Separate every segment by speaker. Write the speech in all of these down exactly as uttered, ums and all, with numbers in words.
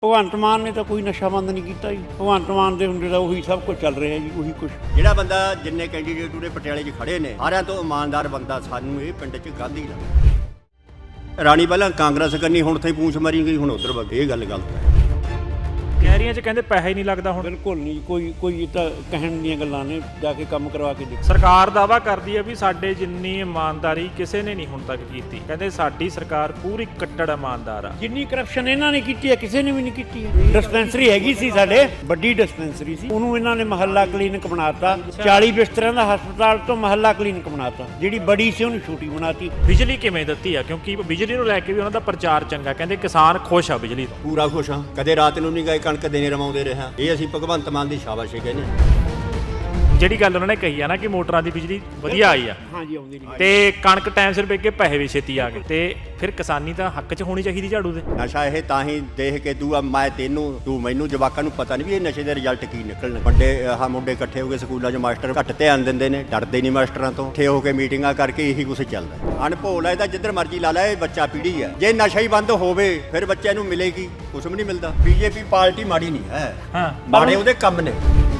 Speaker 1: ਭਗਵੰਤ ਮਾਨ ਨੇ ਤਾਂ ਕੋਈ ਨਸ਼ਾ ਬੰਦ ਨਹੀਂ ਕੀਤਾ ਜੀ। ਭਗਵੰਤ ਮਾਨ ਦੇ ਹੁੰਦੇ ਤਾਂ ਉਹੀ ਸਭ ਕੁਝ ਚੱਲ ਰਿਹਾ ਜੀ, ਉਹੀ ਕੁਝ।
Speaker 2: ਜਿਹੜਾ ਬੰਦਾ ਜਿੰਨੇ ਕੈਂਡੀਡੇਟ ਉਰੇ ਪਟਿਆਲੇ 'ਚ ਖੜੇ ਨੇ ਸਾਰਿਆਂ ਤੋਂ ਇਮਾਨਦਾਰ ਬੰਦਾ ਸਾਨੂੰ ਇਹ ਪਿੰਡ 'ਚ ਗਾਂਧੀ ਲੱਗਦਾ। ਰਾਣੀ ਪਹਿਲਾਂ ਕਾਂਗਰਸ ਕਰਨੀ, ਹੁਣ ਤੇ ਪੂੰਛ ਮਾਰੀ ਗਈ, ਹੁਣ ਉਧਰ ਵਗ। ਇਹ ਗੱਲ ਗਲਤ ਹੈ।
Speaker 3: ਕਹਿਰੀਆਂ 'ਚ ਕਹਿੰਦੇ ਪੈਸਾ ਹੀ ਨਹੀਂ ਲੱਗਦਾ ਹੁਣ।
Speaker 1: ਬਿਲਕੁਲ ਨਹੀਂ, ਕੋਈ ਕੋਈ ਤਾਂ ਕਹਿਣ ਦੀਆਂ ਗੱਲਾਂ ਨੇ, ਜਾ ਕੇ ਕੰਮ ਕਰਵਾ ਕੇ ਦੇਖੋ।
Speaker 3: ਸਰਕਾਰ ਦਾਅਵਾ ਕਰਦੀ ਹੈ ਵੀ ਸਾਡੇ ਜਿੰਨੀ ਇਮਾਨਦਾਰੀ ਕਿਸੇ ਨੇ ਨਹੀਂ ਹੁਣ ਤੱਕ ਕੀਤੀ। ਕਹਿੰਦੇ ਸਾਡੀ ਸਰਕਾਰ ਪੂਰੀ ਕੱਟੜ ਇਮਾਨਦਾਰ ਆ।
Speaker 1: ਜਿੰਨੀ ਕਰਪਸ਼ਨ ਇਹਨਾਂ ਨੇ ਕੀਤੀ ਹੈ ਕਿਸੇ ਨੇ ਵੀ ਨਹੀਂ ਕੀਤੀ ਹੈ। ਡਿਸਪੈਂਸਰੀ ਹੈਗੀ ਸੀ ਸਾਡੇ, ਵੱਡੀ ਡਿਸਪੈਂਸਰੀ ਸੀ, ਉਹਨੂੰ ਇਹਨਾਂ ਨੇ ਮਹੱਲਾ ਕਲੀਨਿਕ ਬਣਾਤਾ। ਚਾਲੀ ਬਿਸਤਰਿਆਂ ਦਾ ਹਸਪਤਾਲ ਤੋਂ ਮਹੱਲਾ ਕਲੀਨਿਕ ਬਣਾਤਾ। ਜਿਹੜੀ ਬੜੀ ਸੀ ਉਹਨੂੰ ਛੋਟੀ ਬਣਾਤੀ।
Speaker 3: ਬਿਜਲੀ ਕਿਵੇਂ ਦਿੱਤੀ ਆ? ਕਿਉਂਕਿ ਬਿਜਲੀ ਨੂੰ ਲੈ ਕੇ ਵੀ ਉਹਨਾਂ ਦਾ ਪ੍ਰਚਾਰ ਚੰਗਾ, ਕਹਿੰਦੇ ਕਿਸਾਨ ਖੁਸ਼ ਆ ਬਿਜਲੀ ਤੋਂ।
Speaker 2: ਪੂਰਾ ਖੁਸ਼ ਹਾਂ, ਕਦੇ ਰਾਤ ਨੂੰ ਨਹੀਂ ਗਏ ਕਣਕ ਦੇਣੇ ਰਵਾਉਂਦੇ ਰਿਹਾ। ਇਹ ਅਸੀਂ ਭਗਵੰਤ ਮਾਨ ਦੀ ਸ਼ਾਬਾਸ਼ ਕਹਿੰਦੇ।
Speaker 3: ਜਿਹੜੀ ਗੱਲ ਉਹਨਾਂ ਨੇ ਕਹੀ ਆ ਨਾ ਕਿ ਮੋਟਰਾਂ ਦੀ ਬਿਜਲੀ ਵਧੀਆ ਆਈ ਆ,
Speaker 1: ਹਾਂਜੀ ਆਉਂਦੀ ਨਹੀਂ,
Speaker 3: ਤੇ ਕਣਕ ਟਾਈਮ ਸਿਰ ਵੇਚ ਕੇ ਪੈਸੇ ਵੀ ਛੇਤੀ ਆ ਗਏ, ਤੇ ਫਿਰ ਕਿਸਾਨੀ ਤਾਂ ਹੱਕ 'ਚ ਹੋਣੀ ਚਾਹੀਦੀ ਝਾੜੂ ਦੇ।
Speaker 2: ਨਸ਼ਾ ਇਹ ਤਾਂ ਹੀ ਦੇਖ ਕੇ ਤੂੰ ਆ ਮੈਂ ਤੈਨੂੰ ਤੂੰ ਮੈਨੂੰ ਜਵਾਕਾਂ ਨੂੰ ਪਤਾ ਨਹੀਂ ਵੀ ਇਹ ਨਸ਼ੇ ਦੇ ਰਿਜ਼ਲਟ ਕੀ ਨਿਕਲਣ। ਵੱਡੇ ਆਹ ਮੁੰਡੇ ਇਕੱਠੇ ਹੋ ਕੇ ਸਕੂਲਾਂ 'ਚ ਮਾਸਟਰ ਘੱਟ ਧਿਆਨ ਦਿੰਦੇ ਨੇ, ਡਰਦੇ ਨਹੀਂ ਮਾਸਟਰਾਂ ਤੋਂ। ਇਕੱਠੇ ਹੋ ਕੇ ਮੀਟਿੰਗਾਂ ਕਰਕੇ ਇਹੀ ਕੁਛ ਚੱਲਦਾ। ਅਣਭੋਲ ਹੈ ਤਾਂ ਜਿੱਧਰ ਮਰਜ਼ੀ ਲਾ ਲੈ, ਇਹ ਬੱਚਾ ਪੀੜ੍ਹੀ ਹੈ। ਜੇ ਨਸ਼ਾ ਹੀ ਬੰਦ ਹੋਵੇ ਫਿਰ ਬੱਚਿਆਂ ਨੂੰ ਮਿਲੇਗੀ ਕੁਛ ਵੀ ਨਹੀਂ ਮਿਲਦਾ। ਬੀਜੇਪੀ ਪਾਰਟੀ ਮਾੜੀ ਨਹੀਂ ਹੈ,
Speaker 3: ਹਾਂ
Speaker 2: ਮਾੜੇ ਉਹਦੇ ਕੰਮ ਨੇ।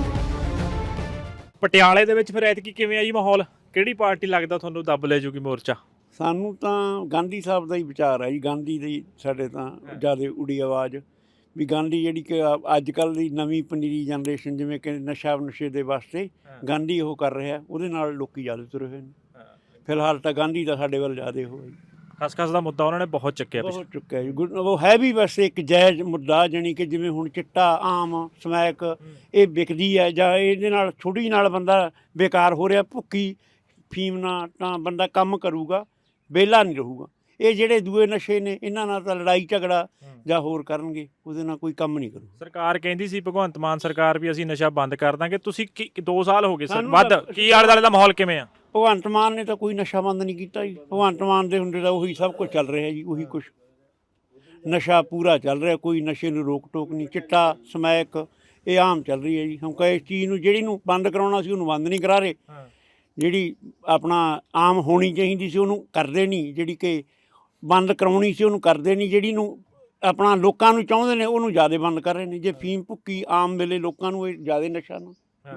Speaker 3: ਪਟਿਆਲੇ ਦੇ ਵਿੱਚ ਫਿਰ ਐਤਕੀ ਕਿਵੇਂ ਆ ਜੀ ਮਾਹੌਲ? ਕਿਹੜੀ ਪਾਰਟੀ ਲੱਗਦਾ ਤੁਹਾਨੂੰ ਦੱਬ ਲੈ ਜੂਗੀ ਮੋਰਚਾ?
Speaker 1: ਸਾਨੂੰ ਤਾਂ ਗਾਂਧੀ ਸਾਹਿਬ ਦਾ ਹੀ ਵਿਚਾਰ ਹੈ ਜੀ। ਗਾਂਧੀ ਦੀ ਸਾਡੇ ਤਾਂ ਜ਼ਿਆਦਾ ਉਡੀ ਆਵਾਜ਼ ਵੀ ਗਾਂਧੀ ਜਿਹੜੀ ਕਿ ਅੱਜ ਕੱਲ੍ਹ ਦੀ ਨਵੀਂ ਪਨੀਰੀ ਜਨਰੇਸ਼ਨ, ਜਿਵੇਂ ਕਿ ਨਸ਼ਾ ਨਸ਼ੇ ਦੇ ਵਾਸਤੇ ਗਾਂਧੀ ਉਹ ਕਰ ਰਿਹਾ, ਉਹਦੇ ਨਾਲ ਲੋਕੀ ਜ਼ਿਆਦਾ ਤੁਰੇ ਹੋਏ ਨੇ। ਫਿਲਹਾਲ ਤਾਂ ਗਾਂਧੀ ਦਾ ਸਾਡੇ ਵੱਲ ਜ਼ਿਆਦਾ ਹੋਇਆ ਜੀ।
Speaker 3: ਖਸਖਸ ਦਾ ਮੁੱਦਾ ਉਹਨਾਂ ਨੇ ਬਹੁਤ ਚੱਕਿਆ
Speaker 1: ਬਹੁਤ ਚੁੱਕਿਆ ਜੀ। ਗੁ- ਉਹ ਹੈ ਵੀ ਵੈਸੇ ਇੱਕ ਜਾਇਜ਼ ਮੁੱਦਾ, ਜਾਣੀ ਕਿ ਜਿਵੇਂ ਹੁਣ ਚਿੱਟਾ, ਆਮ, ਸਮੈਕ ਇਹ ਵਿਕਦੀ ਹੈ, ਜਾਂ ਇਹਦੇ ਨਾਲ ਛੁੱਟੀ ਨਾਲ ਬੰਦਾ ਬੇਕਾਰ ਹੋ ਰਿਹਾ। ਭੁੱਕੀ ਫੀਮ ਨਾਲ ਤਾਂ ਬੰਦਾ ਕੰਮ ਕਰੂਗਾ, ਵਿਹਲਾ ਨਹੀਂ ਰਹੂਗਾ। ਇਹ ਜਿਹੜੇ ਦੂਏ ਨਸ਼ੇ ਨੇ ਇਹਨਾਂ ਨਾਲ ਤਾਂ ਲੜਾਈ ਝਗੜਾ ਜਾਂ ਹੋਰ ਕਰਨਗੇ, ਉਹਦੇ ਨਾਲ ਕੋਈ ਕੰਮ ਨਹੀਂ ਕਰੂ।
Speaker 3: ਸਰਕਾਰ ਕਹਿੰਦੀ ਸੀ ਭਗਵੰਤ ਮਾਨ ਸਰਕਾਰ ਵੀ ਅਸੀਂ ਨਸ਼ਾ ਬੰਦ ਕਰ ਦਾਂਗੇ। ਤੁਸੀਂ ਦੋ ਸਾਲ ਹੋ ਗਏ ਸਰ
Speaker 1: ਸਾਨੂੰ
Speaker 3: ਵੱਧ,
Speaker 1: ਤਾਂ-
Speaker 3: ਕੀ ਆਲੇ ਦੁਆਲੇ ਦਾ ਮਾਹੌਲ ਕਿਵੇਂ ਆ?
Speaker 1: ਭਗਵੰਤ ਮਾਨ ਨੇ ਤਾਂ ਕੋਈ ਨਸ਼ਾ ਬੰਦ ਨਹੀਂ ਕੀਤਾ ਜੀ। ਭਗਵੰਤ ਮਾਨ ਦੇ ਹੁੰਦੇ ਤਾਂ ਉਹੀ ਸਭ ਕੁਝ ਚੱਲ ਰਿਹਾ ਜੀ, ਉਹੀ ਕੁਛ। ਨਸ਼ਾ ਪੂਰਾ ਚੱਲ ਰਿਹਾ, ਕੋਈ ਨਸ਼ੇ ਨੂੰ ਰੋਕ ਟੋਕ ਨਹੀਂ। ਚਿੱਟਾ, ਸਮੈਕ ਇਹ ਆਮ ਚੱਲ ਰਹੀ ਹੈ ਜੀ। ਹੁਣ ਕਹੇ ਇਸ ਚੀਜ਼ ਨੂੰ ਜਿਹੜੀ ਨੂੰ ਬੰਦ ਕਰਾਉਣਾ ਸੀ ਉਹਨੂੰ ਬੰਦ ਨਹੀਂ ਕਰਾ ਰਹੇ। ਜਿਹੜੀ ਆਪਣਾ ਆਮ ਹੋਣੀ ਚਾਹੀਦੀ ਸੀ ਉਹਨੂੰ ਕਰਦੇ ਨਹੀਂ, ਜਿਹੜੀ ਕਿ ਬੰਦ ਕਰਾਉਣੀ ਸੀ ਉਹਨੂੰ ਕਰਦੇ ਨਹੀਂ। ਜਿਹੜੀ ਨੂੰ ਆਪਣਾ ਲੋਕਾਂ ਨੂੰ ਚਾਹੁੰਦੇ ਨੇ ਉਹਨੂੰ ਜ਼ਿਆਦਾ ਬੰਦ ਕਰ ਰਹੇ ਨੇ। ਜੇ ਫੀਮ, ਭੁੱਕੀ ਆਮ ਵੇਲੇ ਲੋਕਾਂ ਨੂੰ ਇਹ ਜ਼ਿਆਦਾ ਨਸ਼ਾ ਨਾ,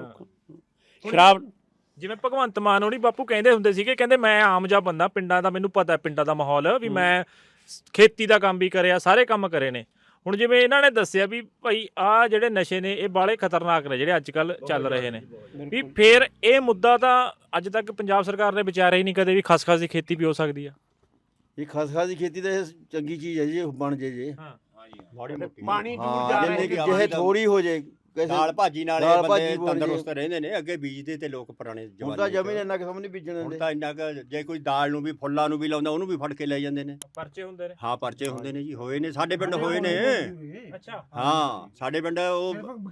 Speaker 1: ਸ਼ਰਾਬ।
Speaker 3: ਜਿਵੇਂ ਭਗਵੰਤ ਮਾਨ ਹੋਣੀ ਬਾਪੂ ਕਹਿੰਦੇ ਹੁੰਦੇ ਸੀਗੇ, ਕਹਿੰਦੇ ਮੈਂ ਆਮ ਜਿਹਾ ਬੰਦਾ, ਪਿੰਡਾਂ ਦਾ ਮੈਨੂੰ ਪਤਾ, ਪਿੰਡਾਂ ਦਾ ਮਾਹੌਲ ਵੀ, ਮੈਂ ਖੇਤੀ ਦਾ ਕੰਮ ਵੀ ਕਰਿਆ, ਸਾਰੇ ਕੰਮ ਕਰੇ ਨੇ। ਹੁਣ ਜਿਵੇਂ ਇਹਨਾਂ ਨੇ ਦੱਸਿਆ ਵੀ ਭਾਈ ਆਹ ਜਿਹੜੇ ਨਸ਼ੇ ਨੇ ਇਹ ਬਾਲੇ ਖਤਰਨਾਕ ਨੇ ਜਿਹੜੇ ਅੱਜ ਕੱਲ੍ਹ ਚੱਲ ਰਹੇ ਨੇ, ਵੀ ਫਿਰ ਇਹ ਮੁੱਦਾ ਤਾਂ ਅੱਜ ਤੱਕ ਪੰਜਾਬ ਸਰਕਾਰ ਨੇ ਵਿਚਾਰਿਆ ਹੀ ਨਹੀਂ ਕਦੇ ਵੀ ਖਸਖਸ ਦੀ ਖੇਤੀ ਵੀ ਹੋ ਸਕਦੀ ਆ।
Speaker 4: ਇਹ ਖਸਖਸ ਦੀ ਖੇਤੀ ਤਾਂ ਇਹ ਚੰਗੀ ਚੀਜ਼ ਹੈ ਜੀ, ਇਹ ਬਣ ਜੇ ਜੇ
Speaker 1: ਪਾਣੀ ਦੂਰ
Speaker 4: ਹਾਂ,
Speaker 1: ਜਾ
Speaker 4: ਜਿੰਨੀ
Speaker 1: ਰਿਹਾ।
Speaker 4: ਕਿ ਜਿਹੇ ਥੋੜੀ ਹੋ ਜੇ
Speaker 2: ਦਾਲ ਭਾਜੀ ਨਾਲ ਇਹ
Speaker 4: ਦਾਲ
Speaker 2: ਬੰਦੇ
Speaker 4: ਭਾਜੀ ਬਣ
Speaker 2: ਤੰਦਰੁਸਤ
Speaker 4: ਜੇ।
Speaker 2: ਰਹਿੰਦੇ ਨੇ। ਅੱਗੇ ਬੀਜਦੇ ਤੇ ਲੋਕ ਪੁਰਾਣੇ
Speaker 4: ਹੁਣ
Speaker 2: ਜਮਾਨੇ
Speaker 4: ਤਾਂ
Speaker 2: 'ਚ।
Speaker 4: ਜ਼ਮੀਨ ਇੰਨਾ ਕਿਸਮ ਨਹੀਂ ਬੀਜਣ
Speaker 2: ਹੁਣ
Speaker 4: ਦਿੰਦੇ।
Speaker 2: ਤਾਂ ਇੰਨਾ ਕੁ ਜੇ ਕੋਈ ਦਾਲ ਨੂੰ ਵੀ, ਫੁੱਲਾਂ ਨੂੰ ਵੀ ਲਾਉਂਦਾ ਉਹਨੂੰ ਵੀ ਫੜ ਕੇ ਲੈ ਜਾਂਦੇ ਨੇ।
Speaker 3: ਪਰਚੇ ਹੁੰਦੇ ਨੇ।
Speaker 2: ਹਾਂ ਪਰਚੇ ਹੁੰਦੇ ਨੇ ਜੀ, ਹੋਏ ਨੇ ਸਾਡੇ ਪਿੰਡ, ਹੋਏ ਨੇ।
Speaker 3: ਅੱਛਾ।
Speaker 2: ਹਾਂ ਸਾਡੇ ਪਿੰਡ ਉਹ